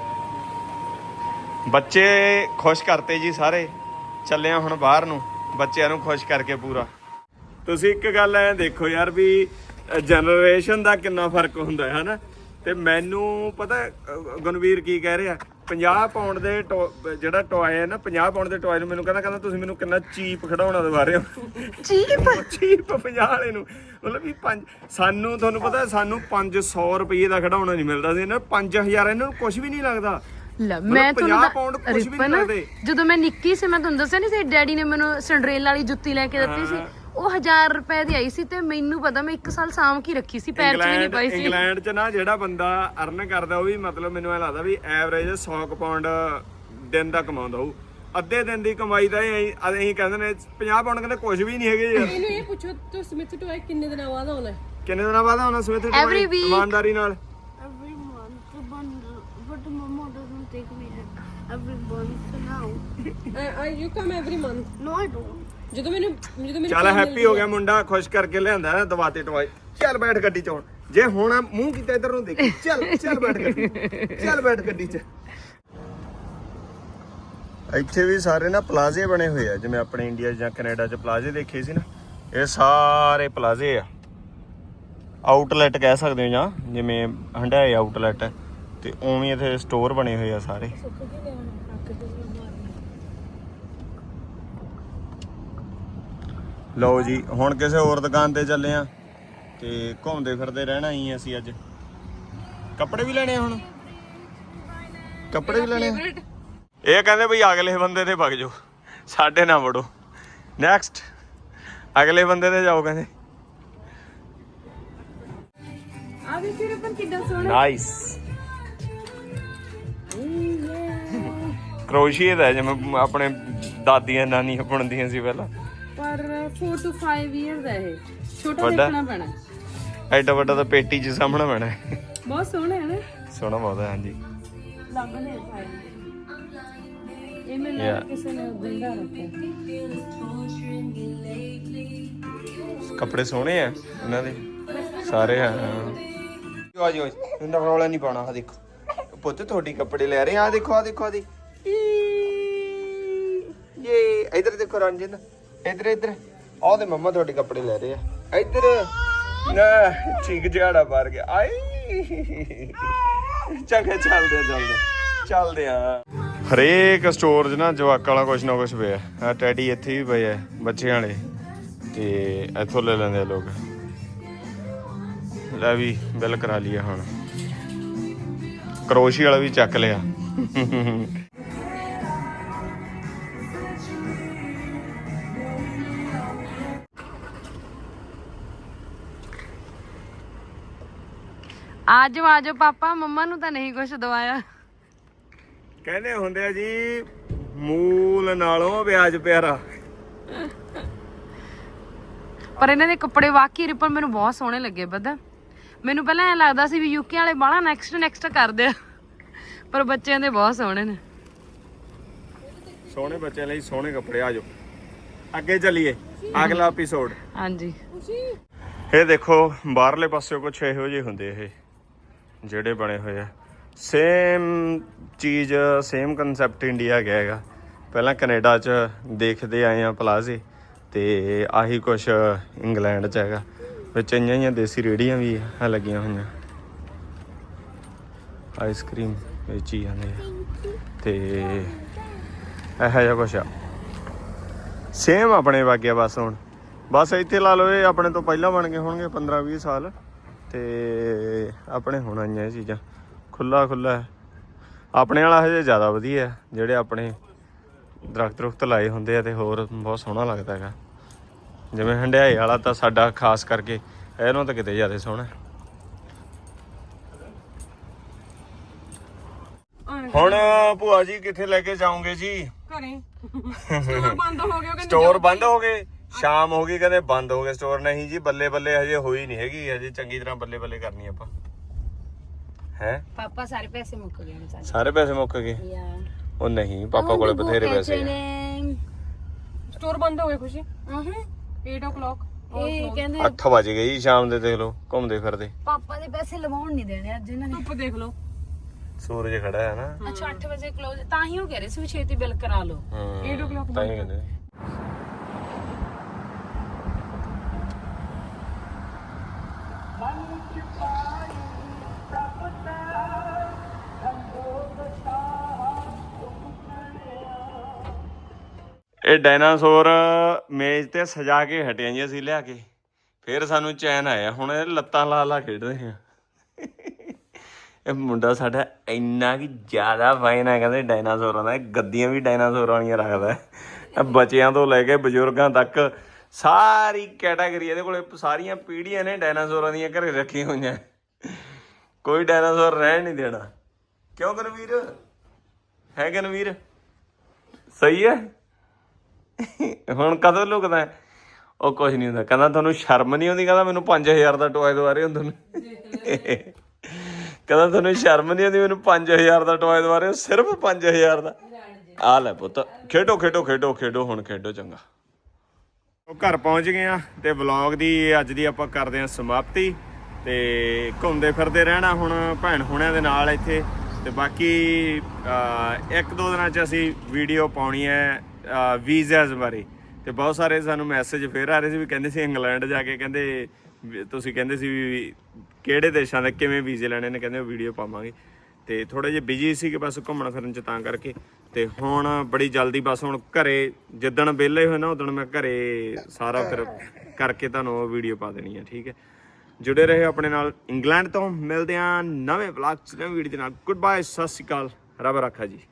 A: ਬੱਚੇ ਖੁਸ਼ ਕਰਤੇ ਜੀ ਸਾਰੇ। ਚੱਲੇ ਆ ਹੁਣ ਬਾਹਰ ਨੂੰ ਬੱਚਿਆਂ ਨੂੰ ਖੁਸ਼ ਕਰਕੇ ਪੂਰਾ। ਤੁਸੀਂ ਇੱਕ ਗੱਲ ਐ ਦੇਖੋ ਯਾਰ ਵੀ ਜਨਰੇਸ਼ਨ ਦਾ ਕਿੰਨਾ ਫਰਕ ਹੁੰਦਾ ਹੈ ਹਨਾ। ਤੇ ਮੈਨੂੰ ਪਤਾ ਗੁਣਵੀਰ ਕੀ ਕਹਿ ਰਿਹਾ ਪੰਜਾਹ ਪਾਉਂਡ ਦੇ ਜਿਹੜਾ ਟੋਏ ਹੈ ਨਾ ਪੰਜਾਹ ਪਾਉਂਡ ਦੇ ਟੋਏ ਨੂੰ ਮੈਨੂੰ ਕਹਿੰਦਾ ਕਹਿੰਦਾ ਤੁਸੀਂ ਮੈਨੂੰ ਕਿੰਨਾ ਚੀਪ ਖਿਡੌਣਾ ਦਵਾ ਰਹੇ ਹੋ। ਚੀਪ ਚੀਪ ਪੰਜਾਹ ਵਾਲੇ ਨੂੰ ਮਤਲਬ ਵੀ ਪੰਜ ਸਾਨੂੰ ਤੁਹਾਨੂੰ ਪਤਾ ਸਾਨੂੰ ਪੰਜ ਸੌ ਰੁਪਏ ਦਾ ਖਿਡੌਣਾ ਨਹੀਂ ਮਿਲਦਾ ਸੀ ਇਹਨਾਂ ਪੰਜ ਹਜ਼ਾਰ ਇਹਨਾਂ ਨੂੰ ਕੁਝ ਵੀ ਨਹੀਂ ਲੱਗਦਾ।
C: ਲੈ ਮੈਂ
A: ਤੁਹਾਨੂੰ
C: ਰਿਪਨ ਜਦੋਂ ਮੈਂ ਨਿੱਕੀ ਸੀ ਮੈਂ ਤੁਹਾਨੂੰ ਦੱਸਿਆ ਨਹੀਂ ਸੀ ਡੈਡੀ ਨੇ ਮੈਨੂੰ ਸਿੰਡਰੇਲਾ ਵਾਲੀ ਜੁੱਤੀ ਲੈ ਕੇ ਦਿੱਤੀ ਸੀ। ਉਹ ਹਜ਼ਾਰ ਰੁਪਏ ਦੀ ਆਈ ਸੀ ਤੇ ਮੈਨੂੰ ਪਤਾ ਮੈਂ ਇੱਕ ਸਾਲ ਸਾਂਭ ਕੇ ਰੱਖੀ ਸੀ ਪੈਰ 'ਚ ਵੀ ਨਹੀਂ ਪਾਈ ਸੀ।
A: ਇੰਗਲੈਂਡ 'ਚ ਨਾ ਜਿਹੜਾ ਬੰਦਾ ਅਰਨ ਕਰਦਾ ਉਹ ਵੀ ਮਤਲਬ ਮੈਨੂੰ ਐ ਲੱਗਦਾ ਵੀ ਐਵਰੇਜ ਸੌ ਪਾਉਂਡ ਦਿਨ ਦਾ ਕਮਾਉਂਦਾ ਹੋਊ। ਅੱਧੇ ਦਿਨ ਦੀ ਕਮਾਈ ਦਾ ਅਸੀਂ ਕਹਿੰਦੇ ਨੇ ਪੰਜਾਹ ਪਾਉਂਡ ਕਹਿੰਦੇ ਕੁਝ ਵੀ ਨਹੀਂ ਹੈਗੇ ਯਾਰ।
B: ਇਹਨੂੰ ਇਹ ਪੁੱਛੋ ਤੂੰ ਸਮਿਥ ਟੋਏ ਕਿੰਨੇ ਦਿਨਾਂ ਬਾਅਦ ਆਉਣਾ?
A: ਕਿੰਨੇ ਦਿਨਾਂ ਬਾਅਦ ਆਉਣਾ ਸਮਿਥ ਟੋਏ? ਇਮਾਨਦਾਰੀ ਨਾਲ
D: Every month, but, but mama doesn't take me every month now.
B: Uh, you come every month?
D: No, I don't.
B: ਜਦੋਂ ਮੈਨੂੰ ਜਦੋਂ ਮੈਨੂੰ
A: ਚੱਲ ਹੈਪੀ ਹੋ ਗਿਆ ਮੁੰਡਾ ਖੁਸ਼ ਕਰਕੇ ਲਿਆਂਦਾ ਨਾ ਦਵਾਤੇ ਟੋਏ। ਚੱਲ ਬੈਠ ਗੱਡੀ 'ਚ ਹੁਣ ਜੇ ਹੁਣ ਮੂੰਹ ਕੀਤਾ ਇਧਰ ਨੂੰ ਦੇਖ ਚੱਲ ਚੱਲ ਬੈਠ ਗੱਡੀ ਚੱਲ ਬੈਠ ਗੱਡੀ 'ਚ। ਇੱਥੇ ਵੀ ਸਾਰੇ ਨਾ ਪਲਾਜ਼ੇ ਬਣੇ ਹੋਏ ਆ ਜਿਵੇਂ ਆਪਣੇ ਇੰਡੀਆ ਜਾਂ ਕੈਨੇਡਾ 'ਚ ਪਲਾਜ਼ੇ ਦੇਖੇ ਸੀ ਨਾ। ਇਹ ਸਾਰੇ ਪਲਾਜ਼ੇ ਆ ਆਊਟਲੈਟ ਕਹਿ ਸਕਦੇ ਹੋ ਜਾਂ ਜਿਵੇਂ ਹੰਡਾਏ ਆਊਟਲੈਟ ਤੇ ਉਵੇਂ ਇੱਥੇ ਸਟੋਰ ਬਣੇ ਹੋਏ ਆ ਸਾਰੇ। ਲਓ ਜੀ ਹੁਣ ਕਿਸੇ ਹੋਰ ਦੁਕਾਨ ਤੇ ਚੱਲੇ ਆ ਤੇ ਘੁੰਮਦੇ ਫਿਰਦੇ ਰਹਿਣਾ ਹੀ ਅਸੀਂ ਅੱਜ। ਕੱਪੜੇ ਵੀ ਲੈਣੇ ਆ ਹੁਣ ਕੱਪੜੇ ਵੀ ਲੈਣੇ ਆ। ਇਹ ਕਹਿੰਦੇ ਬਈ ਅਗਲੇ ਬੰਦੇ ਤੇ ਵਗ ਜਾਓ ਸਾਡੇ ਨਾ ਵੜੋ। ਨੈਕਸਟ ਅਗਲੇ ਬੰਦੇ ਤੇ ਜਾਓ ਕਹਿੰਦੇ।
C: ਆ ਦੇਖੋ ਰਿਪਨ ਕਿੱਦਾਂ ਸੋਹਣਾ
A: ਨਾਈਸ ਕਰੋਸ਼ੀਏ ਦਾ ਜਿਵੇਂ ਆਪਣੇ ਦਾਦੀਆਂ ਨਾਨੀਆਂ ਬੁਣਦੀਆਂ ਸੀ ਪਹਿਲਾਂ।
C: ਪਰ four to five ਇਅਰ ਦਾ ਇਹ ਛੋਟਾ
A: ਵੱਡਾ?
C: ਦੇਖਣਾ ਪੈਣਾ।
A: ਐਡਾ ਵੱਡਾ ਤਾਂ ਪੇਟੀ 'ਚ ਸਾਹਮਣਾ ਪੈਣਾ ਹੈ।
C: ਬਹੁਤ ਸੋਹਣਾ ਹੈ ਨਾ।
A: ਸੋਹਣਾ ਬਹੁਤ ਹੈ ਹਾਂਜੀ।
C: ਲੱਗਦੇ ਫਾਈਲ ਇਹ ਮੈਨੂੰ
A: Yeah.
C: ਕਿਸੇ ਨੇ ਦਿੰਦਾ ਰੱਖਿਆ।
A: ਕੱਪੜੇ ਸੋਹਣੇ ਆ ਇਹਨਾਂ ਦੇ ਸਾਰੇ ਆ। ਆ ਜੀ ਇਹਨਾਂ ਰੌਲਾ ਨਹੀਂ ਪਾਉਣਾ। ਆ ਦੇਖੋ ਪੁੱਤ ਤੁਹਾਡੀ ਕੱਪੜੇ ਲੈ ਰਹੇ ਆ। ਦੇਖੋ ਆ ਦੇਖੋ ਆ ਦੇ ਇਹ ਇਧਰ ਦੇਖੋ ਰਣਜਿੰਦ ਇਧਰ ਇਧਰ ਆਹ ਦੇ ਮੰਮਾ ਤੁਹਾਡੇ ਕੱਪੜੇ ਲੈ ਰਹੇ ਆ। ਇਧਰ ਨਾ ਠੀਕ ਜਿਹਾੜਾ ਮਾਰ ਗਿਆ ਆਈ। ਚੰਗਾ ਚੱਲਦੇ ਆ ਚੱਲਦੇ ਚੱਲਦੇ ਆ। ਹਰੇਕ ਸਟੋਰ 'ਚ ਨਾ ਜਵਾਕਾਂ ਵਾਲਾ ਕੁਛ ਨਾ ਕੁਛ ਪਿਆ। ਆ ਟੈਡੀ ਇੱਥੇ ਵੀ ਪਏ ਆ ਬੱਚਿਆਂ ਵਾਲੇ ਤੇ ਇੱਥੋਂ ਲੈ ਲੈਂਦੇ ਆ ਲੋਕ। ਲੈ ਵੀ ਬਿੱਲ ਕਰਾ ਲਈਏ ਹੁਣ। ਕਰੋਸ਼ੀ ਵਾਲਾ ਵੀ ਚੱਕ ਲਿਆ।
C: ਆਜੋ ਆਜੋ ਪਾਪਾ ਮੰਮਾ ਨੂੰ ਤਾਂ ਨਹੀਂ ਕੁਝ ਦਵਾਇਆ।
A: ਕਹਿੰਦੇ ਹੁੰਦੇ ਆ ਜੀ ਮੂਲ ਨਾਲੋਂ ਵਿਆਜ ਪਿਆਰਾ।
C: ਪਰ ਇਹਨਾਂ ਦੇ ਕੱਪੜੇ ਵਾਕਈ ਰਿਪਨ ਮੈਨੂੰ ਬਹੁਤ ਸੋਹਣੇ ਲੱਗੇ। ਪਤਾ ਮੈਨੂੰ ਪਹਿਲਾਂ ਐ ਲੱਗਦਾ ਸੀ ਵੀ ਯੂਕੇ ਵਾਲੇ ਬਾਹਲਾ ਨੈਕਸਟ ਨੈਕਸਟ ਕਰਦੇ ਆ ਪਰ ਬੱਚਿਆਂ ਦੇ ਬਹੁਤ ਸੋਹਣੇ ਨੇ।
A: ਸੋਹਣੇ ਬੱਚਿਆਂ ਲਈ ਸੋਹਣੇ ਕੱਪੜੇ। ਆਜੋ ਅੱਗੇ ਚੱਲੀਏ ਅਗਲਾ ਐਪੀਸੋਡ।
C: ਹਾਂਜੀ
A: ਇਹ ਦੇਖੋ ਬਾਹਰਲੇ ਪਾਸੇ ਕੁਛ ਇਹੋ ਜਿਹੇ ਹੁੰਦੇ ਇਹ ਜਿਹੜੇ ਬਣੇ ਹੋਏ ਆ। ਸੇਮ ਚੀਜ਼ ਸੇਮ ਕਨਸੈਪਟ ਇੰਡੀਆ ਗਿਆ ਹੈਗਾ। ਪਹਿਲਾਂ ਕੈਨੇਡਾ 'ਚ ਦੇਖਦੇ ਆਏ ਆ ਪਲਾਜ਼ੇ ਤੇ ਆਹੀ ਕੁਛ ਇੰਗਲੈਂਡ 'ਚ ਹੈਗਾ। ਵਿੱਚ ਇੰਨੀਆਂ ਜਿਹੀਆਂ ਦੇਸੀ ਰੇਹੜੀਆਂ ਵੀ ਆ ਲੱਗੀਆਂ ਹੋਈਆਂ। ਆਈਸਕ੍ਰੀਮ ਵੇਚੀ ਜਾਂਦੇ ਆ। ਤੇ ਇਹੋ ਜਿਹਾ ਕੁਛ ਆ ਸੇਮ ਆਪਣੇ ਵਾਗਿਆ ਬਸ ਹੁਣ ਬਸ ਇੱਥੇ ਲਾ ਲਓ ਇਹ ਆਪਣੇ ਤੋਂ ਪਹਿਲਾਂ ਬਣ ਗਏ ਹੋਣਗੇ ਪੰਦਰਾਂ ਵੀਹ ਸਾਲ ਤੇ ਆਪਣੇ ਹੁਣ ਆਈਆਂ ਇਹ ਚੀਜ਼ਾਂ ਖੁੱਲਾ ਖੁੱਲਾ ਆਪਣੇ ਵਾਲਾ ਹਜੇ ਜ਼ਿਆਦਾ ਵਧੀਆ ਜਿਹੜੇ ਆਪਣੇ ਦਰਖਤ ਦਰੁਖਤ ਲਾਏ ਹੁੰਦੇ ਆ ਤੇ ਹੋਰ ਬਹੁਤ ਸੋਹਣਾ ਲੱਗਦਾ ਹੈਗਾ ਜਿਵੇਂ ਹੰਡਿਆਏ ਵਾਲਾ ਤਾਂ ਸਾਡਾ ਖਾਸ ਕਰਕੇ ਇਹਨੂੰ ਤਾਂ ਕਿਤੇ ਜ਼ਿਆਦਾ ਸੋਹਣਾ ਹੁਣ ਭੂਆ ਜੀ ਕਿੱਥੇ ਲੈ ਕੇ ਜਾਓਗੇ ਜੀ
B: ਘਰੇ ਸਟੋਰ ਬੰਦ ਹੋ ਗਿਆ ਕਹਿੰਦੇ
A: ਸਟੋਰ ਬੰਦ ਹੋ ਗਏ ਸ਼ਾਮ ਹੋ ਗਈ ਕਹਿੰਦੇ ਬੰਦ ਹੋ ਗਏ ਸਟੋਰ ਨਹੀਂ ਜੀ ਬੱਲੇ ਬੱਲੇ ਹਜੇ ਹੋਈ ਨਹੀਂ ਹੈਗੀ ਹਜੇ ਚੰਗੀ ਤਰ੍ਹਾਂ ਬੱਲੇ ਬੱਲੇ ਕਰਨੀ ਆਪਾਂ ਹੈ
C: ਪਾਪਾ ਸਾਰੇ ਪੈਸੇ ਮੁੱਕ ਗਏ ਨੇ ਸਾਡੇ
A: ਸਾਰੇ ਪੈਸੇ ਮੁੱਕ ਗਏ ਉਹ ਨਹੀਂ ਪਾਪਾ ਕੋਲੇ ਬਥੇਰੇ ਪੈਸੇ ਆ
B: ਸਟੋਰ ਬੰਦ ਹੋ ਗਏ ਖੁਸ਼ੀ
C: ਆਹਾਂ
B: eight o'clock
C: ਇਹ ਕਹਿੰਦੇ
A: ਅੱਠ ਵਜ ਗਏ ਜੀ ਸ਼ਾਮ ਦੇ ਦੇਖ ਲਓ ਘੁੰਮਦੇ ਫਿਰਦੇ
C: ਪਾਪਾ ਦੇ ਪੈਸੇ ਲਵਾਉਣ ਨਹੀਂ ਦੇਣੇ ਅੱਜ ਇਹਨਾਂ ਨੇ
B: ਧੁੱਪ ਦੇਖ ਲਓ
A: ਸੂਰਜ ਖੜਾ ਹੈ ਨਾ
C: ਅੱਛਾ ਅੱਠ ਵਜੇ ਕਲੋਜ਼ ਤਾਂ ਹੀ ਉਹ ਕਹਿ ਰਹੇ ਸੀ ਵੀ ਛੇਤੀ ਬਿੱਲ ਕਰਾ ਲਓ
A: ਹੂੰ
B: eight o'clock
A: ਤਾਂ ਹੀ ਕਹਿੰਦੇ ਇਹ ਡਾਇਨਾਸੌਰ ਮੇਜ਼ ਤੇ ਸਜਾ ਕੇ ਹਟਿਆ ਜੀ ਅਸੀਂ ਲਿਆ ਕੇ ਫਿਰ ਸਾਨੂੰ ਚੈਨ ਆਇਆ ਹੁਣ ਇਹ ਲੱਤਾਂ ਲਾ ਲਾ ਖੇਡ ਰਹੇ ਆ ਇਹ ਮੁੰਡਾ ਸਾਡਾ ਇੰਨਾ ਕਿ ਜ਼ਿਆਦਾ ਫਾਈਨ ਹੈ ਕਹਿੰਦੇ ਡਾਇਨਾਸੌਰਾਂ ਦਾ ਗੱਦੀਆਂ ਵੀ ਡਾਇਨਾਸੌਰਾਂ ਵਾਲੀਆਂ ਰੱਖਦਾ ਹੈ ਬੱਚਿਆਂ ਤੋਂ ਲੈ ਕੇ ਬਜ਼ੁਰਗਾਂ ਤੱਕ ਸਾਰੀ ਕੈਟਾਗਰੀ ਇਹਦੇ ਕੋਲੇ ਸਾਰੀਆਂ ਪੀੜ੍ਹੀਆਂ ਨੇ ਡਾਇਨਾਸੌਰਾਂ ਦੀਆਂ ਘਰੇ ਰੱਖੀਆਂ ਹੋਈਆਂ ਕੋਈ ਡਾਇਨਾਸੌਰ ਰਹਿਣ ਨਹੀਂ ਦੇਣਾ ਕਿਉਂ ਗਨਵੀਰ ਹੈ ਗਨਵੀਰ ਸਹੀ ਹੈ ਹੁਣ ਕਦੋਂ ਲੁਕਦਾ ਉਹ ਕੁਝ ਨਹੀਂ ਹੁੰਦਾ ਕਹਿੰਦਾ ਤੁਹਾਨੂੰ ਸ਼ਰਮ ਨਹੀਂ ਆਉਂਦੀ ਕਹਿੰਦਾ ਮੈਨੂੰ ਪੰਜ ਹਜ਼ਾਰ ਦਾ ਟੋਏ ਦਵਾ ਰਹੇ ਹੋ ਤੁਹਾਨੂੰ ਕਹਿੰਦਾ ਤੁਹਾਨੂੰ ਸ਼ਰਮ ਨਹੀਂ ਆਉਂਦੀ ਮੈਨੂੰ ਪੰਜ ਹਜ਼ਾਰ ਦਾ ਟੋਏ ਦਵਾ ਰਹੇ ਹੋ ਸਿਰਫ ਪੰਜ ਹਜ਼ਾਰ ਦਾ ਆ ਲੈ ਪੁੱਤ ਖੇਡੋ ਖੇਡੋ ਖੇਡੋ ਖੇਡੋ ਹੁਣ ਖੇਡੋ ਚੰਗਾ ਉਹ ਘਰ ਪਹੁੰਚ ਗਏ ਆ ਤੇ ਵਲੌਗ ਦੀ ਅੱਜ ਦੀ ਆਪਾਂ ਕਰਦੇ ਆ ਸਮਾਪਤੀ ਤੇ ਘੁੰਮਦੇ ਫਿਰਦੇ ਰਹਿਣਾ ਹੁਣ ਭੈਣ ਹੁਣਿਆਂ ਦੇ ਨਾਲ ਇੱਥੇ ਤੇ ਬਾਕੀ ਇੱਕ ਦੋ ਦਿਨਾਂ 'ਚ ਅਸੀਂ ਵੀਡੀਓ ਪਾਉਣੀ ਹੈ ਵੀਜ਼ਾਸ ਬਾਰੇ ਤੇ ਬਹੁਤ ਸਾਰੇ ਸਾਨੂੰ ਮੈਸੇਜ ਫੇਰ ਆ ਰਹੇ ਸੀ ਵੀ ਕਹਿੰਦੇ ਸੀ ਇੰਗਲੈਂਡ ਜਾ ਕੇ ਕਹਿੰਦੇ ਤੁਸੀਂ ਕਹਿੰਦੇ ਸੀ ਵੀ ਕਿਹੜੇ ਦੇਸ਼ਾਂ ਦੇ ਕਿਵੇਂ ਵੀਜ਼ੇ ਲੈਣੇ ਨੇ ਕਹਿੰਦੇ ਵੀਡੀਓ ਪਾਵਾਂਗੇ ਤੇ ਥੋੜੇ ਜਿਹੇ ਬਿਜੀ ਸੀ ਕਿ ਬਸ ਘੁੰਮਣ ਫਿਰਨ 'ਚ ਤਾਂ ਕਰਕੇ ਤੇ ਹੁਣ ਬੜੀ ਜਲਦੀ ਬਸ ਹੁਣ ਘਰੇ ਜਿੱਦਣ ਵਿਹਲੇ ਹੋਏ ਨਾ ਉਦੋਂ ਮੈਂ ਘਰੇ ਸਾਰਾ ਫਿਰ ਕਰਕੇ ਤੁਹਾਨੂੰ ਵੀਡੀਓ ਪਾ ਦੇਣੀ ਹੈ ਠੀਕ ਹੈ ਜੁੜੇ ਰਹੇ ਆਪਣੇ ਨਾਲ ਇੰਗਲੈਂਡ ਤੋਂ ਮਿਲਦੇ ਆ ਨਵੇਂ ਵਲੌਗ 'ਚ ਨਵੀਂ ਵੀਡੀਓ ਦੇ ਨਾਲ ਗੁੱਡ ਬਾਏ ਸਤਿ ਸ਼੍ਰੀ ਅਕਾਲ ਰੱਬ ਰਾਖਾ ਜੀ।